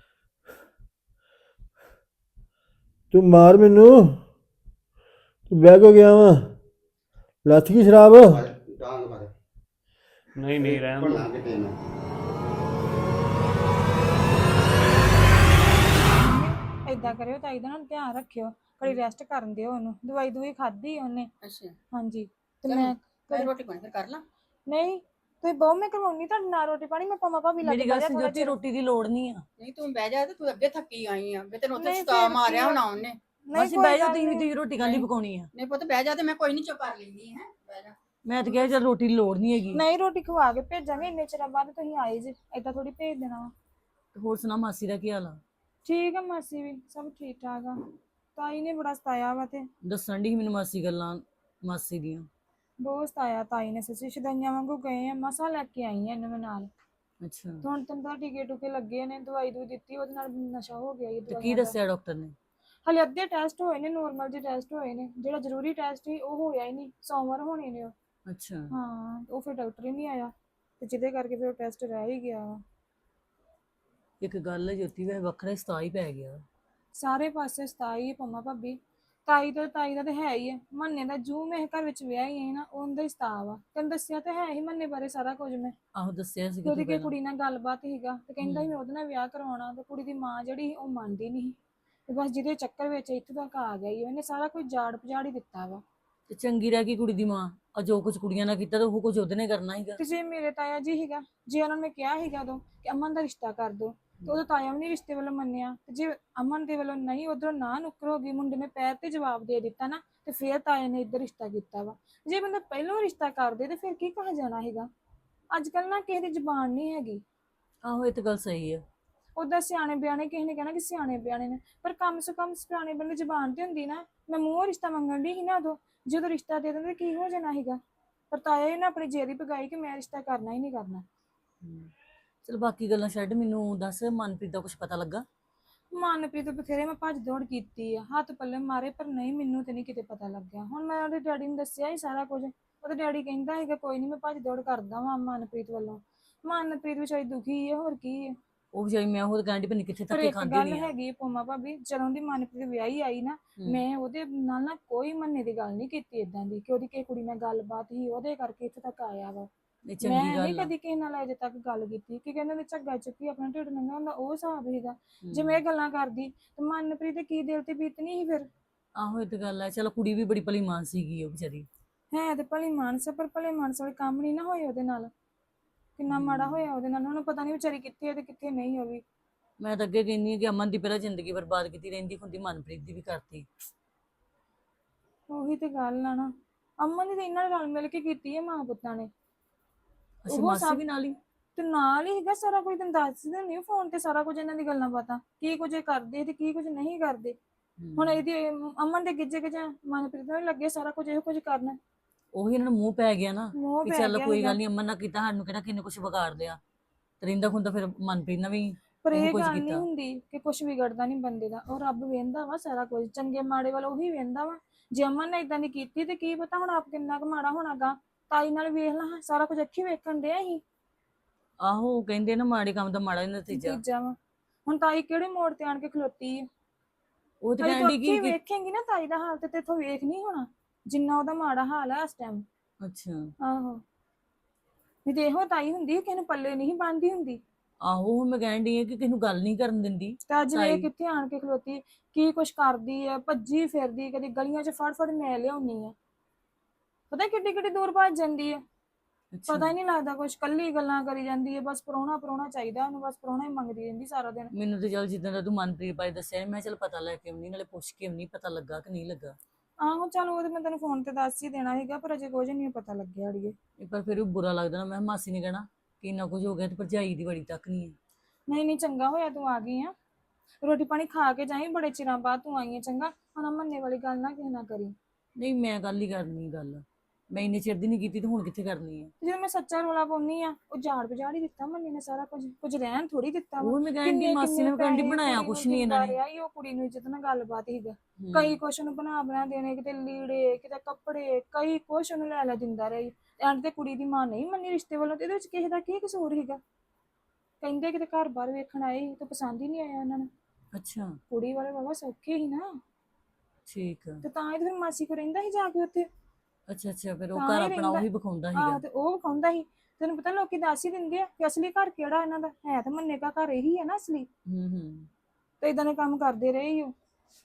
ਤੂੰ ਮਾਰ ਮੈਨੂੰ। ਤੂੰ ਬਹਿ ਕੋ ਗਿਆ ਵਾ। ਲੱਥ ਗਈ ਸ਼ਰਾਬ।
ਡਾਂਗ ਮਾਰ।
ਨਹੀਂ ਨਹੀਂ ਰਹਿਣ ਦੋ
ਭੰਨਾ ਕਿਤੇ ਨਾ।
ਏਦਾਂ ਕਰਿਓ ਤਾਈ ਦਾ ਨਾ ਧਿਆਨ ਰੱਖਿਓ, ਘੜੀ ਰੈਸਟ ਕਰਨ ਦਿਓ ਉਹਨੂੰ। ਦਵਾਈ ਦੂਈ ਖਾਧੀ ਉਹਨੇ।
ਅੱਛਾ
ਹਾਂਜੀ ਤੇ
ਚੱਲ,
ਮੈਂ
ਮੈਂ ਰੋਟੀ ਪਾਣੀ ਫਿਰ ਕਰ ਲਾਂ।
ਨਹੀਂ ਤੁਸੀਂ ਬਹੁ ਮੈਂ ਕਰਵਾਉਣੀ ਤੁਹਾਡੇ ਨਾਲ ਰੋਟੀ ਪਾਣੀ। ਮੈਂ ਪਾਵਾਂ ਭਾਬੀ ਲੱਗ
ਮੇਰੀ ਗੱਲ ਸੁਣ, ਜੋਤੀ ਰੋਟੀ ਦੀ ਲੋੜ ਨਹੀਂ ਆ। ਨਹੀਂ ਤੂੰ ਬਹਿ ਜਾ ਤੇ ਤੂੰ ਅੱਗੇ ਥੱਕੀ ਆਈ ਆ। ਵੀ ਤੈਨੂੰ ਉੱਥੇ
ਨਹੀਂ,
ਸਤਾ
ਫਿਰ
ਮਾਰਿਆ
ਕੀ
ਹੋਣਾ ਉਹਨੇ।
ਨਹੀਂ
ਅਸੀਂ
ਕੋਈ
ਬਹਿ ਜਾ,
ਗੱਲ
ਤੁਸੀਂ ਵੀ
ਨਹੀਂ।
ਤੁਸੀਂ ਰੋਟੀ ਕਾਹਦੀ ਪਕਾਉਣੀ ਆ। ਨਹੀਂ ਪੁੱਤ ਬਹਿ ਜਾ ਤੇ ਮੈਂ ਕੋਈ ਨਹੀਂ ਚੁੱਪ ਕਰ ਲੈਂਦੀ ਹੈ। ਬਹਿ ਜਾ। ਮੈਂ ਤਾਂ ਕਿਹਾ ਚੱਲ ਰੋਟੀ ਦੀ ਲੋੜ ਨਹੀਂ ਹੈਗੀ।
ਨਹੀਂ ਰੋਟੀ ਖਵਾ ਕੇ ਭੇਜਾਂਗੇ। ਇੰਨੇ ਚਿਰ ਬਾਅਦ ਤੁਸੀਂ ਆਏ ਜੇ, ਏਦਾਂ ਥੋੜੀ ਭੇਜ ਦੇਣਾ ਵਾ।
ਹੋਰ ਸੁਣਾ ਮਾਸੀ ਦਾ ਕੀ ਹਾਲ ਆ?
ਠੀਕ ਆ ਮਾਸੀ ਵੀ ਸਭ ਠੀਕ ਠਾਕ ਆ। ਤਾਈ ਨੇ ਬੜਾ ਸਤਾਇਆ ਵਾ ਤੇ
ਦੱਸਣ ਦੀ ਮੈਨੂੰ ਮਾਸੀ ਗੱਲਾਂ ਮਾਸੀ ਦੀਆਂ।
ਬਹੁਤ ਸਤਾਇਆ ਤਾਈ ਨੇ, ਸੱਚੀ ਸ਼ਦਾਈਆਂ ਵਾਂਗੂ ਗਏ ਆ, ਮਸਾਂ ਲੈ ਕੇ ਆਈ ਆ ਇਹਨੂੰ ਮੈਂ ਨਾਲ।
ਅੱਛਾ
ਤੇ ਹੁਣ ਤੈਨੂੰ ਪਤਾ ਟੀਕੇ ਟੂਕੇ ਲੱਗੇ ਨੇ, ਦਵਾਈ ਦੂਈ ਦਿੱਤੀ, ਉਹਦੇ ਨਾਲ ਨਸ਼ਾ ਹੋ ਗਿਆ ਇਹ
ਤੇ ਕੀ
ਦਵਾਈਆਂ ਦਾ।
ਦੱਸਿਆ ਡਾਕਟਰ ਨੇ?
ਹਲੇ ਅੱਧੇ ਟੈਸਟ ਹੋਏ ਨੇ, ਨੋਰਮਲ ਜਿਹੇ ਟੈਸਟ ਹੋਏ ਨੇ, ਜਿਹੜਾ ਜ਼ਰੂਰੀ ਟੈਸਟ ਸੀ ਉਹ ਹੋਇਆ ਹੀ ਨਹੀਂ, ਸੋਮਵਾਰ ਹੋਣੇ ਨੇ ਉਹ।
ਅੱਛਾ
ਹਾਂ ਉਹ ਫਿਰ ਡਾਕਟਰ ਹੀ ਨਹੀਂ ਆਇਆ ਤੇ ਜਿਹਦੇ ਕਰਕੇ ਫਿਰ ਉਹ ਟੈਸਟ ਰਹਿ ਹੀ ਗਿਆ ਵਾ।
ਇੱਕ ਗੱਲ ਹੈ ਜੋਤੀ, ਵੈਸੇ ਵੱਖਰਾ ਹੀ ਸਤਾ ਹੀ ਪੈ ਗਿਆ।
ਸਾਰੇ ਪਾਸੇ ਸਤਾਈ ਪੰਮਾ ਭਾਬੀ, ਤਾਈ ਤੋਂ ਤਾਈ ਦਾ ਤੇ ਹੈ ਹੀ ਹੈ, ਮੰਨੇ ਦਾ ਜੂ ਮੈਂ ਘਰ ਵਿੱਚ ਵਿਆਹ ਹੀ ਹੈ ਨਾ, ਉਹਦਾ ਹੀ ਸਤਾ ਵਾ। ਤੈਨੂੰ ਦੱਸਿਆ ਤੇ ਹੈ ਹੀ ਮੰਨੇ ਬਾਰੇ ਸਾਰਾ ਕੁਝ ਮੈਂ।
ਆਹੋ ਦੱਸਿਆ ਸੀ
ਤੇ ਉਹਦੀ
ਤੂੰ
ਕੋਈ
ਪਹਿਲਾਂ।
ਕੁੜੀ ਨਾਲ ਗੱਲਬਾਤ ਸੀਗਾ ਤੇ ਕਹਿੰਦਾ ਸੀ ਮੈਂ ਉਹਦੇ ਨਾਲ ਵਿਆਹ ਕਰਵਾਉਣਾ, ਤੇ ਕੁੜੀ ਦੀ ਮਾਂ ਜਿਹੜੀ ਸੀ ਉਹ ਮੰਨਦੀ ਨਹੀਂ ਸੀ। ਤੇ ਬਸ ਜਿਹਦੇ ਚੱਕਰ ਵਿੱਚ ਇੱਥੇ ਤੱਕ ਆ ਗਈ, ਉਹਨੇ ਸਾਰਾ ਕੁਝ ਜਾੜ ਪਜਾੜ ਹੀ ਦਿੱਤਾ ਵਾ।
ਤੇ ਚੰਗੀ ਰਹਿ ਗਈ ਕੁੜੀ ਦੀ ਮਾਂ, ਆ ਜੋ ਕੁਝ ਕੁੜੀਆਂ ਨਾਲ ਕੀਤਾ ਤੇ ਉਹ ਕੁਝ ਉਹਦੇ ਨੇ ਕਰਨਾ ਸੀਗਾ।
ਤੇ ਜੇ ਮੇਰੇ ਤਾਇਆ ਜੀ ਸੀਗਾ, ਜੇ ਉਹਨਾਂ ਨੇ ਕਿਹਾ ਸੀਗਾ ਉਦੋਂ ਕਿ ਅਮਨ ਦਾ ਰਿਸ਼ਤਾ ਕਰ ਦੋ, ਤੇ ਉਹਦਾ ਤਾਇਆ ਵੀ ਨਹੀਂ ਰਿਸ਼ਤੇ ਵੱਲੋਂ ਮੰਨਿਆ। ਤੇ ਜੇ ਅਮਨ ਦੇ ਵੱਲੋਂ ਨਹੀਂ, ਉਧਰੋਂ ਨਾ ਨੁੱਕਰ ਹੋ ਗਈ, ਮੁੰਡੇ ਨੇ ਪੈਰ ਤੇ ਜਵਾਬ ਦੇ ਦਿੱਤਾ ਨਾ, ਤੇ ਫਿਰ ਤਾਏ ਨੇ ਇੱਧਰ ਰਿਸ਼ਤਾ ਕੀਤਾ ਵਾ। ਜੇ ਬੰਦਾ ਪਹਿਲਾਂ ਰਿਸ਼ਤਾ ਕਰਦੇ ਤੇ ਫਿਰ ਕੀ ਕਹਾ ਜਾਣਾ ਹੈਗਾ। ਅੱਜ ਕੱਲ ਨਾ ਕਿਸੇ ਦੀ ਜ਼ੁਬਾਨ ਨਹੀਂ ਹੈਗੀ।
ਆਹੋ ਇਹ ਤਾਂ ਗੱਲ ਸਹੀ ਹੈ।
ਉਦਾਂ ਸਿਆਣੇ ਬਿਆਣੇ ਕਿਸੇ ਨੇ ਕਹਿਣਾ ਕਿ ਸਿਆਣੇ ਬਿਆਣੇ ਨੇ, ਪਰ ਕਮ ਸੇ ਕਮ ਸਿਆਣੇ ਬੰਦੇ ਜ਼ੁਬਾਨ ਤੇ ਹੁੰਦੀ ਨਾ। ਮੈਂ ਮੂੰਹੋਂ ਰਿਸ਼ਤਾ ਮੰਗਣ ਦੀ ਸੀ ਨਾ ਉਦੋਂ, ਜਦੋਂ ਰਿਸ਼ਤਾ ਦੇ ਦਿੰਦੇ ਕੀ ਹੋ ਜਾਣਾ ਸੀਗਾ। ਪਰ ਤਾਇਆ ਨੇ ਆਪਣੀ ਜੇਰੀ ਪਗਾਈ ਕਿ ਮੈਂ ਰਿਸ਼ਤਾ ਕਰਨਾ ਹੀ ਨਹੀਂ ਕਰਨਾ।
ਚਲ ਬਾਕੀ ਗੱਲਾਂ ਛੱਡ, ਮੈਨੂੰ ਦੱਸ ਮਨਪ੍ਰੀਤ ਦਾ ਕੁਝ ਪਤਾ ਲੱਗਾ?
ਮਨਪ੍ਰੀਤ ਬਥੇਰੇ ਮੈਂ ਭੱਜ ਦੌੜ ਕੀਤੀ ਆ, ਹੱਥ ਪੱਲੇ ਮਾਰੇ, ਪਰ ਨਹੀਂ ਮੈਨੂੰ ਤੇ ਨਹੀਂ ਕਿਤੇ ਪਤਾ ਲੱਗਿਆ। ਹੁਣ ਮੈਂ ਉਹਦੇ ਡੈਡੀ ਨੂੰ ਦੱਸਿਆ ਹੀ ਸਾਰਾ ਕੁਝ, ਉਹਦੇ ਡੈਡੀ ਕਹਿੰਦਾ ਹੈਗਾ ਕੋਈ ਨਹੀਂ ਮੈਂ ਭੱਜ ਦੌੜ ਕਰਦਾ ਵਾਂ ਮਨਪ੍ਰੀਤ ਵੱਲੋਂ। ਮਨਪ੍ਰੀਤ ਵਿਚਾਰੀ ਦੁਖੀ ਹੈ, ਹੋਰ ਕੀ ਹੈ।
ਉਹ ਵਿਚਾਰੀ, ਮੈਂ ਉਹ ਕਹਿੰਦੀ ਪਈ ਕਿੱਥੇ
ਪਰ
ਧੱਕੇ
ਇੱਕ
ਖਾਂਦੀ
ਗੱਲ
ਨਹੀਂ ਆ।
ਹੈਗੀ ਪੰਮਾ ਭਾਬੀ, ਜਦੋਂ ਦੀ ਮਨਪ੍ਰੀਤ ਵਿਆਹੀ ਆਈ ਨਾ, ਮੈਂ ਉਹਦੇ ਨਾਲ ਨਾ ਕੋਈ ਮੰਨੇ ਦੀ ਗੱਲ ਨਹੀਂ ਕੀਤੀ ਇਦਾਂ ਦੀ ਕਿ ਉਹਦੀ ਕਿਸੇ ਕੁੜੀ ਨਾਲ ਗੱਲਬਾਤ ਹੀ ਉਹਦੇ ਕਰਕੇ ਇੱਥੇ ਤੱਕ ਆਇਆ ਵਾ।
ਇਹ ਚੰਗੀ
ਮੈਂ ਨਹੀਂ
ਗੱਲ ਆ।
ਕਦੀ ਕਿਸੇ ਨਾਲ ਅਜੇ ਤੱਕ ਗੱਲ ਕੀਤੀ ਕਿ ਕਹਿੰਦੇ ਨੇ ਝੱਗਾ ਚੁੱਕੀ ਆਪਣਾ ਢਿੱਡ ਨੰਗਾ ਹੁੰਦਾ, ਉਹ ਹਿਸਾਬ ਸੀਗਾ। ਜੇ ਮੈਂ ਇਹ ਗੱਲਾਂ ਕਰਦੀ ਤੇ ਮਨਪ੍ਰੀਤ ਦੇ ਕੀ ਦਿਲ ਤੇ ਬੀਤਣੀ ਸੀ ਫਿਰ।
ਆਹੋ ਇਹ ਤਾਂ ਗੱਲ ਹੈ। ਚਲੋ ਕੁੜੀ ਵੀ ਬੜੀ ਭਲੀ ਮਾਨ ਸੀਗੀ ਉਹ ਵਿਚਾਰੀ।
ਹੈ ਤੇ ਭਲੀ ਮਾਨਸ, ਪਰ ਭਲੇ ਮਾਨਸ ਵਾਲੇ ਕੰਮ ਨਹੀਂ ਨਾ ਹੋਏ ਉਹਦੇ ਨਾਲ। ਕਿੰਨਾ ਮਾੜਾ ਹੋਇਆ ਉਹਦੇ ਨਾਲ, ਉਹਨੂੰ ਪਤਾ ਨਹੀਂ ਵਿਚਾਰੀ ਕਿੱਥੇ ਹੈ ਤੇ ਕਿੱਥੇ ਨਹੀਂ। ਉਹ ਵੀ
ਮੈਂ ਤਾਂ ਅੱਗੇ ਕਹਿੰਦੀ ਹਾਂ ਕਿ ਅਮਨ ਦੀ ਪਹਿਲਾਂ ਜ਼ਿੰਦਗੀ ਬਰਬਾਦ ਕੀਤੀ ਰਹਿੰਦੀ ਹੁੰਦੀ, ਮਨਪ੍ਰੀਤ ਦੀ ਵੀ ਕਰਤੀ।
ਉਹੀ ਤੇ ਗੱਲ ਆ ਨਾ, ਅਮਨ ਦੀ ਤਾਂ ਇਹਨਾਂ ਨਾਲ ਰਲ ਮਿਲ ਕੇ ਕੀਤੀ ਹੈ ਮਾਂ ਪੁੱਤਾਂ ਨੇ।
ਅੱਛਾ
ਉਹ
ਮਾਸੀ
ਸਭ
ਵੀ ਨਾਲ ਹੀ?
ਤੇ ਨਾਲ ਹੀ ਹੈਗਾ ਸਾਰਾ ਕੁਝ, ਤੈਨੂੰ ਦੱਸ ਦਿੰਦੀ ਫੋਨ ਤੇ ਸਾਰਾ ਕੁਝ ਇਹਨਾਂ ਦੀ ਗੱਲਾਂ ਬਾਤਾਂ, ਕੀ ਕੁਝ ਇਹ ਕਰਦੇ ਤੇ ਕੀ ਕੁਝ ਨਹੀਂ ਕਰਦੇ। ਹੁਣ ਇਹਦੀ ਅਮਨ ਦੇ ਗਿੱਜੇ ਗਿੱਜੇ ਮਨਪ੍ਰੀਤ ਨੂੰ ਲੱਗੇ ਸਾਰਾ ਕੁਝ ਇਹੋ ਕੁਝ ਕਰਨਾ।
ਉਹੀ ਇਹਨਾਂ ਨੂੰ ਮੂੰਹ ਪੈ ਗਿਆ ਨਾ
ਮੂੰਹ
ਕਿ
ਪੈ
ਚੱਲ
ਗਿਆ
ਕੋਈ
ਸੀਗਾ।
ਗੱਲ ਨਹੀਂ, ਅਮਨ ਨਾਲ ਕੀਤਾ, ਸਾਨੂੰ ਕਿਹੜਾ ਕਿੰਨੇ ਕੁਝ ਵਿਗਾੜ ਲਿਆ। ਤੇ ਰਹਿੰਦਾ ਖੁੰਦਾ ਫਿਰ ਮਨਪ੍ਰੀਤ ਨਾਲ ਵੀ
ਪਰ
ਇਹੋ
ਇਹ
ਕੁਝ
ਗੱਲ ਨਹੀਂ
ਕੀਤਾ।
ਹੁੰਦੀ ਕਿ ਕੁਝ ਵਿਗੜਦਾ ਨਹੀਂ ਬੰਦੇ ਦਾ, ਉਹ ਰੱਬ ਵੇਂਦਾ ਵਾ ਸਾਰਾ ਕੁਝ, ਚੰਗੇ ਮਾੜੇ ਵੱਲ ਉਹੀ ਵੇਂਦਾ ਵਾ। ਜੇ ਅਮਨ ਨੇ ਇਦਾਂ ਦੀ ਕੀਤੀ ਤੇ ਕੀ ਪਤਾ ਹੁਣ ਆਪ ਕਿੰਨਾ ਕੁ ਮਾੜਾ ਹੋਣਾਗਾ। ਤਾਈ ਨਾਲ ਵੇਖ ਲਾ, ਸਾਰਾ ਕੁਝ ਅੱਖੀ ਵੇਖਣ ਡਿਆ ਸੀ।
ਆਹੋ ਕਹਿੰਦੇ ਨਾ ਮਾੜੇ ਕੰਮ ਦਾ ਮਾੜਾ ਹੀ ਨਤੀਜਾ।
ਨਤੀਜਾ ਵਾ ਹੁਣ ਤਾਈ ਕਿਹੜੇ ਮੋੜ ਤੇ ਆਣ ਕੇ ਖਲੋਤੀ ਹੈ।
ਉਹ ਤੇ
ਤਾਈ ਤੂੰ
ਕਹਿੰਦੀ
ਅੱਖੀ
ਕਿ
ਵੇਖੇਂਗੀ ਨਾ ਤਾਈ ਦਾ ਹਾਲ ਤੇ ਤੇਥੋਂ ਵੇਖ ਨਹੀਂ ਹੋਣਾ ਜਿੰਨਾ ਉਹਦਾ ਮਾੜਾ ਹਾਲ ਹੈ ਇਸ ਟਾਈਮ।
ਅੱਛਾ
ਆਹੋ ਨਹੀਂ ਤੇ ਇਹੋ ਤਾਈ ਹੁੰਦੀ ਕਿਸੇ ਨੂੰ ਪੱਲੇ ਨਹੀਂ ਬੰਨਦੀ ਹੁੰਦੀ।
ਆਹੋ ਉਹ ਮੈਂ ਕਹਿਣ ਡਈ ਆ ਕਿ ਕਿਸੇ ਨੂੰ ਗੱਲ ਨਹੀਂ ਕਰਨ ਦਿੰਦੀ।
ਤੇ ਅੱਜ ਵੇ
ਤਾਈ
ਕਿੱਥੇ ਆਣ ਕੇ ਖਲੋਤੀ, ਕੀ ਕੁਛ ਕਰਦੀ ਹੈ, ਭੱਜੀ ਫਿਰਦੀ, ਕਦੀ ਗਲੀਆਂ 'ਚ ਫੜ ਫੜ ਮੈਂ ਲਿਆਉਣੀ ਆ, ਪਤਾ ਕਿੱਡੀ ਕਿੱਡੀ ਦੂਰ ਭੱਜ ਜਾਂਦੀ ਹੈ।
ਅੱਛਾ
ਪਤਾ ਹੀ ਨਹੀਂ ਲੱਗਦਾ ਕੁਛ, ਕੱਲੀ ਗੱਲਾਂ ਕਰੀ ਜਾਂਦੀ ਹੈ, ਬਸ ਪ੍ਰਾਹੁਣਾ ਪ੍ਰਾਹੁਣਾ ਚਾਹੀਦਾ ਉਹਨੂੰ, ਬਸ ਪ੍ਰਾਹੁਣਾ ਹੀ ਮੰਗਦੀ ਰਹਿੰਦੀ ਸਾਰਾ ਦਿਨ।
ਮੈਨੂੰ ਤੇ ਚੱਲ ਜਿੱਦਾਂ ਦਾ ਤੂੰ ਮਨਪ੍ਰੀਤ ਬਾਰੇ ਦੱਸਿਆ, ਮੈਂ ਚੱਲ ਪਤਾ ਲੈ ਕੇ ਆਉਣੀ, ਨਾਲੇ ਪੁੱਛ ਕੇ ਆਉਣੀ ਪਤਾ ਲੱਗਾ ਕਿ ਨਹੀਂ ਲੱਗਾ।
ਆਹੋ ਚੱਲ ਉਹ ਤੇ ਮੈਂ ਤੈਨੂੰ ਫੋਨ ਤੇ ਦੱਸ ਹੀ ਦੇਣਾ ਸੀਗਾ, ਪਰ ਅਜੇ ਕੁਝ ਨਹੀਂ ਪਤਾ ਲੱਗਿਆ ਅੜੀਏ।
ਇੱਕ ਵਾਰ ਫਿਰ ਵੀ ਬੁਰਾ ਲੱਗਦਾ ਨਾ, ਮੈਂ ਕਿਹਾ ਮਾਸੀ ਨੇ ਕਹਿਣਾ ਕਿ ਇੰਨਾ ਕੁਝ ਹੋ ਗਿਆ ਤੇ ਭਰਜਾਈ ਦੀ ਬੜੀ ਤੱਕ ਨਹੀਂ ਹੈ।
ਨਹੀਂ ਨਹੀਂ ਚੰਗਾ ਹੋਇਆ ਤੂੰ ਆ ਗਈ ਆ, ਰੋਟੀ ਪਾਣੀ ਖਾ ਕੇ ਜਾਈਂ, ਬੜੇ ਚਿਰਾਂ ਬਾਅਦ ਤੂੰ ਆਈ ਹੈ। ਚੰਗਾ ਹੁਣ ਮੰਨੇ ਵਾਲੀ ਗੱਲ ਨਾ ਕਿਸੇ ਨਾਲ ਕਰੀ।
ਨਹੀਂ ਮੈਂ ਗੱਲ ਹੀ ਕਰਨੀ, ਗੱਲ ਮੈਂ ਇੰਨੇ ਚਿਰ ਦੀ ਨਹੀਂ ਕੀਤੀ ਤੇ ਹੁਣ ਕਿੱਥੇ ਕਰਨੀ ਹੈ।
ਜਦੋਂ ਮੈਂ ਸੱਚਾ ਰੋਲਾ ਪਾਉਣੀ ਆ, ਉਹ ਝਾੜ ਬਜਾੜ ਹੀ ਦਿੱਤਾ ਮੰਨੇ ਨੇ ਸਾਰਾ ਕੁਝ, ਕੁਝ ਰਹਿਣ ਥੋੜੀ ਦਿੱਤਾ ਵਾ।
ਉਹ ਮੈਂ ਕਹਿੰਦੀ ਮਾਸੀ ਨੇ ਕਹਿੰਦੀ ਬਣਾਇਆ ਕੁਛ ਨਹੀਂ ਇਹਨਾਂ ਨੇ।
ਉਹ ਕੁੜੀ ਨੂੰ ਇੱਜ਼ਤ ਨਾਲ ਗੱਲਬਾਤ ਹੀਗਾ, ਕਈ ਕੁਛ ਨੂੰ ਬਣਾ ਬਣਾ ਦੇਣੇ, ਕਿਤੇ ਲੀੜੇ ਕਿਤੇ ਕੱਪੜੇ, ਕਈ ਕੁਛ ਉਹਨੂੰ ਲੈ ਲੈ ਦਿੰਦਾ ਰਹੀ। ਐਂਡ ਤੇ ਕੁੜੀ ਦੀ ਮਾਂ ਨਹੀਂ ਮੰਨੀ ਰਿਸ਼ਤੇ ਵੱਲੋਂ, ਤੇ ਇਹਦੇ ਵਿੱਚ ਕਿਸੇ ਦਾ ਕੀ ਕਸੂਰ ਸੀਗਾ। ਕਹਿੰਦੇ ਕਿਤੇ ਘਰ ਬਾਹਰ ਵੇਖਣ ਆਏ ਤੇ ਪਸੰਦ ਹੀ ਨਹੀਂ ਆਇਆ ਉਹਨਾਂ ਨੂੰ।
ਅੱਛਾ
ਕੁੜੀ ਵਾਲੇ ਬਾਬਾ ਸੌਖੇ ਹੀ ਨਾ,
ਠੀਕ ਆ।
ਤੇ ਤਾਂ ਹੀ ਤੇ ਫਿਰ ਮਾਸੀ ਕੋ ਰਹਿੰਦਾ ਸੀ ਜਾ ਕੇ ਉੱਥੇ।
ਅੱਛਾ ਅੱਛਾ ਫਿਰ ਉਹ
ਤਾਂ
ਘਰ
ਹੀ
ਆਪਣਾ
ਰਹਿੰਦਾ।
ਉਹੀ ਵਿਖਾਉਂਦਾ
ਆਹ
ਸੀਗਾ।
ਤੇ ਉਹ ਵਿਖਾਉਂਦਾ ਸੀ। ਤੈਨੂੰ ਪਤਾ ਲੋਕੀ ਦੱਸ ਹੀ ਦਿੰਦੇ ਆ ਕਿ ਅਸਲੀ ਘਰ ਕਿਹੜਾ ਇਹਨਾਂ ਦਾ ਹੈ, ਤੇ ਮੰਨੇ ਦਾ ਘਰ ਇਹੀ ਹੈ ਨਾ ਅਸਲੀ।
ਹੂੰ ਹੂੰ
ਤੇ ਇਦਾਂ ਦੇ ਕੰਮ ਕਰਦੇ ਰਹੇ ਹੀ ਉਹ,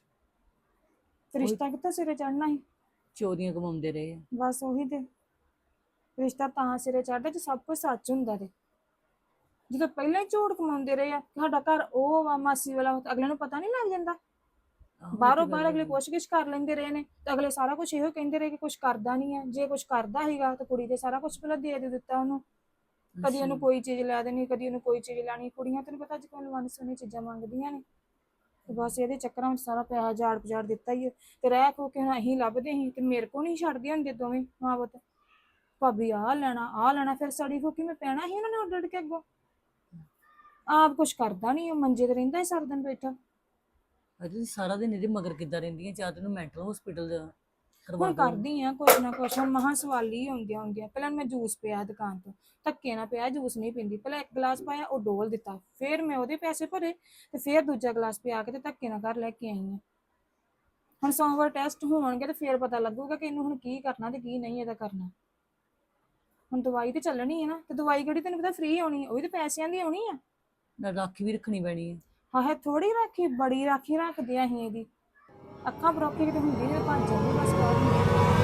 ਤੇ ਰਿਸ਼ਤਾ ਕਿੱਥੋਂ ਸਿਰੇ ਚੜਨਾ ਸੀ।
ਚੋਰੀਆਂ ਕਮਾਉਂਦੇ ਰਹੇ ਆ।
ਬਸ ਉਹੀ ਤੇ ਰਿਸ਼ਤਾ ਤਾਂ ਸਿਰੇ ਚੜਦਾ ਜੇ ਸਭ ਕੁਝ ਸੱਚ ਹੁੰਦਾ ਤੇ। ਜਦੋਂ ਪਹਿਲਾਂ ਹੀ ਝੂਠ ਕਮਾਉਂਦੇ ਰਹੇ ਆ ਕਿ ਸਾਡਾ ਘਰ ਉਹ ਵਾ ਮਾਸੀ ਵਾਲਾ, ਅਗਲੇ ਨੂੰ ਪਤਾ ਨਹੀਂ ਲੱਗ ਜਾਂਦਾ।
ਆਹੋ, ਇਹ
ਬਾਹਰੋਂ
ਤਾਂ
ਬਾਹਰ
ਗੱਲ
ਅਗਲੇ
ਹੈ।
ਪੁੱਛ-ਗਿੱਛ ਕਰ ਲੈਂਦੇ ਰਹੇ ਨੇ, ਤੇ ਅਗਲੇ ਸਾਰਾ ਕੁਝ ਇਹੋ ਕਹਿੰਦੇ ਰਹੇ ਕਿ ਕੁਝ ਕਰਦਾ ਨਹੀਂ ਹੈ। ਜੇ ਕੁਝ ਕਰਦਾ ਸੀਗਾ ਤਾਂ ਕੁੜੀ ਦੇ ਸਾਰਾ ਕੁਝ ਪਹਿਲਾਂ ਦੇ ਦੇ ਦਿੱਤਾ ਉਹਨੂੰ। ਕਦੀ ਉਹਨੂੰ
ਅੱਛਾ।
ਕੋਈ ਚੀਜ਼ ਲੈ ਦੇਣੀ, ਕਦੀ ਉਹਨੂੰ ਕੋਈ ਚੀਜ਼ ਲੈਣੀ। ਕੁੜੀਆਂ ਤੈਨੂੰ ਪਤਾ ਅੱਜ ਕੱਲ੍ਹ ਵੰਨ ਸੁਵੰਨੀ ਚੀਜ਼ਾਂ ਮੰਗਦੀਆਂ ਨੇ। ਤੇ ਬਸ ਇਹਦੇ ਚੱਕਰਾਂ ਵਿੱਚ ਸਾਰਾ ਪੈਸਾ ਜਾੜ ਪਜਾੜ ਦਿੱਤਾ ਹੀ ਹੈ। ਤੇ ਰਹਿ ਖੋ ਕੇ ਹੁਣ ਅਸੀਂ ਲੱਭਦੇ ਸੀ ਤੇ ਮੇਰੇ ਕੋ ਨਹੀਂ ਛੱਡਦੇ ਹੁੰਦੇ ਦੋਵੇਂ ਮਾਂ ਪੁੱਤ। ਭਾਬੀ ਆਹ ਲੈਣਾ ਆਹ ਲੈਣਾ, ਫਿਰ ਸੜੀ ਖੋ ਕੇ ਮੈਂ ਪੈਣਾ ਸੀ ਉਹਨਾਂ ਨੇ ਉੱਡ ਉੱਡ ਕੇ ਅੱਗੋਂ। ਆਪ ਕੁਛ ਕਰਦਾ ਨਹੀਂ, ਉਹ ਮੰਜੇ ਤੇ ਰਹਿੰਦਾ ਹੀ ਸਾਰਾ ਦਿਨ ਬੈਠਾ।
ਅਜੇ ਸਾਰਾ ਦਿਨ ਇਹਦੇ ਮਗਰ ਕਿੱਦਾਂ ਰਹਿੰਦੀਆਂ, ਜਾਂ ਤੈਨੂੰ ਮੈਂਟਲ ਹਸਪੀਟਲ ਕਰਵਾ
ਹੁਣ
ਦੋ।
ਕਰਦੀ ਆ ਕੁਛ ਨਾ ਕੁਛ, ਹੁਣ ਮਹਾਂ ਸਵਾਲੀ ਆਉਂਦੀਆਂ ਹੁੰਦੀਆਂ। ਪਹਿਲਾਂ ਮੈਂ ਜੂਸ ਪਿਆ ਦੁਕਾਨ ਤੋਂ, ਧੱਕੇ ਨਾਲ ਪਿਆ, ਜੂਸ ਨਹੀਂ ਪੀਂਦੀ। ਪਹਿਲਾਂ ਇੱਕ ਗਲਾਸ ਪਾਇਆ, ਉਹ ਡੋਲ ਦਿੱਤਾ, ਫਿਰ ਮੈਂ ਉਹਦੇ ਪੈਸੇ ਭਰੇ ਤੇ ਫਿਰ ਦੂਜਾ ਗਲਾਸ ਪਿਆ ਕੇ ਤੇ ਧੱਕੇ ਨਾਲ ਘਰ ਲੈ ਕੇ ਆਈ ਆ। ਹੁਣ ਸੋਮਵਾਰ ਟੈਸਟ ਹੋਣਗੇ ਤੇ ਫਿਰ ਪਤਾ ਲੱਗੂਗਾ ਕਿ ਇਹਨੂੰ ਹੁਣ ਕੀ ਕਰਨਾ ਤੇ ਕੀ ਨਹੀਂ ਇਹਦਾ ਕਰਨਾ। ਹੁਣ ਦਵਾਈ ਤੇ ਚੱਲਣੀ ਹੈ ਨਾ, ਤੇ ਦਵਾਈ ਕਿਹੜੀ ਤੈਨੂੰ ਪਤਾ ਫ੍ਰੀ ਆਉਣੀ ਹੈ, ਉਹ ਵੀ ਤੇ ਪੈਸਿਆਂ ਦੀ ਆਉਣੀ ਆ।
ਨਾਲ ਰਾਖੀ ਵੀ ਰੱਖਣੀ ਪੈਣੀ ਹੈ।
ਹਾਏ ਥੋੜੀ ਰਾਖੀ, ਬੜੀ ਰਾਖੀ ਰੱਖਦੇ ਆ ਅਸੀਂ ਇਹਦੀ। ਅੱਖਾਂ ਪਰੋਖੇ ਕਿਤੇ ਹੁੰਦੀ ਨਹੀਂ, ਭੱਜ ਜਾਂਦੀ ਬਸ ਬਾਹਰ ਨੂੰ।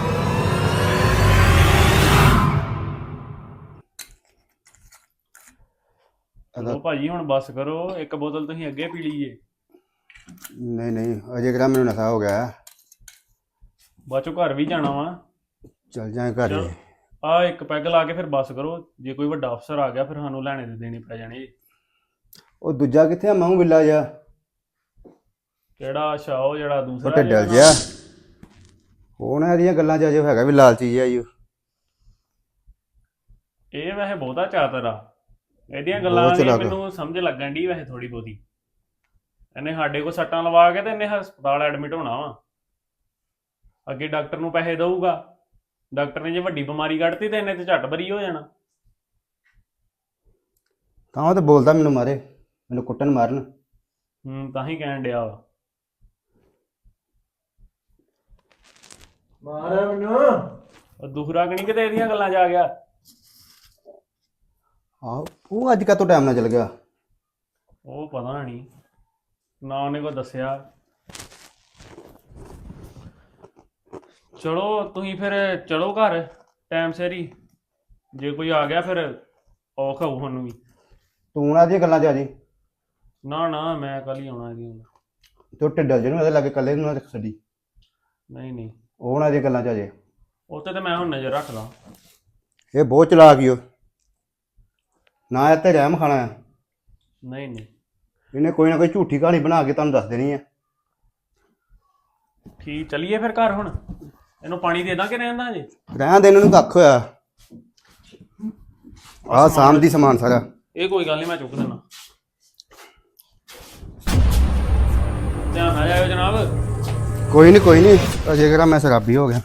ਚਲੋ ਭਾਜੀ ਹੁਣ ਬੱਸ ਕਰੋ, ਇੱਕ ਬੋਤਲ ਤੁਸੀਂ ਅੱਗੇ ਪੀ ਲਈਏ।
ਨਹੀਂ ਨਹੀਂ ਅਜੇ ਕਿਹੜਾ ਮੈਨੂੰ ਨਸ਼ਾ ਹੋ ਗਿਆ।
ਬਾਅਦ ਚੋਂ ਘਰ ਵੀ ਜਾਣਾ ਵਾ।
ਚੱਲ ਜਾਏ ਘਰ ਹੀ।
ਆ ਇੱਕ ਪੈਗ ਲਾ ਕੇ ਫਿਰ ਬੱਸ ਕਰੋ, ਜੇ ਕੋਈ ਵੱਡਾ ਅਫਸਰ ਆ ਗਿਆ ਫਿਰ ਸਾਨੂੰ ਲੈਣੇ ਦੇ ਦੇਣੇ ਪੈ ਜਾਣੇ।
ਉਹ ਦੂਜਾ ਕਿੱਥੇ ਆ ਮਾਊ ਬਿੱਲਾ ਜਿਹਾ?
ਕਿਹੜਾ? ਅੱਛਾ ਉਹ ਜਿਹੜਾ
ਉਹ
ਦੂਸਰਾ
ਢੱਡਲ ਜਿਹਾ। ਉਹ ਨਾ ਇਹਦੀਆਂ ਗੱਲਾਂ 'ਚ ਅਜੇ ਹੈਗਾ ਵੀ ਲਾਲਚੀ ਜਿਹਾ ਈ ਓ।
ਇਹ ਵੈਸੇ ਬਹੁਤਾ ਚਾਤਰ ਆ, ਇਹਦੀਆਂ ਗੱਲਾਂ
ਬਹੁਤ
ਦੀ
ਚਲਾਕ ਆ।
ਮੈਨੂੰ ਸਮਝ ਲੱਗਣ ਦੀ ਵੈਸੇ ਥੋੜੀ ਬਹੁਤੀ। ਇਹਨੇ ਸਾਡੇ ਕੋਲ ਸੱਟਾਂ ਲਵਾ ਕੇ ਤੇ ਇਹਨੇ ਹਸਪਤਾਲ ਐਡਮਿਟ ਹੋਣਾ ਵਾ। ਅੱਗੇ ਡਾਕਟਰ ਨੂੰ ਪੈਸੇ ਦਊਗਾ, ਡਾਕਟਰ ਨੇ ਜੇ ਵੱਡੀ ਬਿਮਾਰੀ ਕੱਢਤੀ ਤੇ ਇਹਨੇ ਤੇ ਝੱਟ ਬਰੀ ਹੋ ਜਾਣਾ।
ਤਾਂ ਉਹ ਤਾਂ ਬੋਲਦਾ ਮੈਨੂੰ ਮਾਰੇ, ਮੈਨੂੰ ਕੁੱਟਣ ਮਾਰਨ।
ਹੂੰ ਤਾਂ ਹੀ ਕਹਿਣ ਡਿਆ ਵਾ।
ਮਾਰਿਆ ਮੈਨੂੰ।
ਉਹ ਦੂਸਰਾ ਕਣੀ ਕਿਤੇ ਇਹਦੀਆਂ ਗੱਲਾਂ 'ਚ ਆ ਗਿਆ।
ਆਹੋ ਉਹ ਅੱਜ ਕਾਹਤੋਂ ਟਾਈਮ ਨਾਲ ਚਲ ਗਿਆ?
ਉਹ ਪਤਾ ਨਹੀਂ, ਨਾ ਉਹਨੇ ਕੋਈ ਦੱਸਿਆ। ਚਲੋ ਤੁਸੀਂ ਫਿਰ ਚਲੋ ਘਰ ਟਾਈਮ ਸਿਰ ਹੀ। ਜੇ ਕੋਈ ਆ ਗਿਆ ਫਿਰ ਔਖ ਹੋਊ ਸਾਨੂੰ ਵੀ।
ਤੂੰ ਉਹਨਾਂ ਦੀਆਂ ਗੱਲਾਂ 'ਚ ਆ ਜੀ।
ਨਾ ਨਾ ਮੈਂ ਕੱਲ ਹੀ ਆਉਣਾ ਇਹਦੀ ਹੁਣ।
ਤੂੰ ਢਿੱਡਲ ਜਿਹਨੂੰ ਇਹਦੇ ਲਾਗੇ ਇਕੱਲੇ ਨੂੰ ਨਾ ਰੱਖ ਛੱਡੀ।
ਨਹੀਂ ਨਹੀਂ
ਉਹ ਉਹਨਾਂ ਦੀਆਂ ਗੱਲਾਂ 'ਚ ਆ ਜੇ।
ਉੱਥੇ ਤੇ ਮੈਂ ਹੁਣ ਨਜ਼ਰ ਰੱਖਦਾ।
ਇਹ ਬਹੁਤ ਚਲਾਕ ਈ ਓ। ਨਾ ਇਹ ਤੇ ਰਹਿਮ ਖਾਣਾ ਆ।
ਨਹੀਂ ਨਹੀਂ
ਇਹਨੇ ਕੋਈ ਨਾ ਕੋਈ ਝੂਠੀ ਕਹਾਣੀ ਬਣਾ ਕੇ ਤੁਹਾਨੂੰ ਦੱਸ ਦੇਣੀ ਆ।
ਠੀਕ, ਚੱਲੀਏ ਫਿਰ ਘਰ ਹੁਣ। ਇਹਨੂੰ ਪਾਣੀ ਦੇ ਦਾਂ ਕਿ ਰਹਿੰਦਾ ਹਜੇ?
ਰਹਿਣ ਦੇ, ਇਹਨਾਂ ਨੂੰ ਕੱਖ ਹੋਇਆ। ਆਹ ਸਾਮ ਦੀ ਸਮਾਨ ਸਾਰਾ।
ਇਹ ਕੋਈ ਗੱਲ ਨਹੀਂ, ਮੈਂ ਚੁੱਕ ਦਿੰਦਾ। ਧਿਆਨ ਨਾਲ ਜਾਇਓ ਜਨਾਬ।
ਕੋਈ ਨਹੀਂ ਕੋਈ ਨਹੀਂ, ਅਜੇ ਕਿਹੜਾ ਮੈਂ ਸ਼ਰਾਬੀ ਹੋ ਗਿਆ।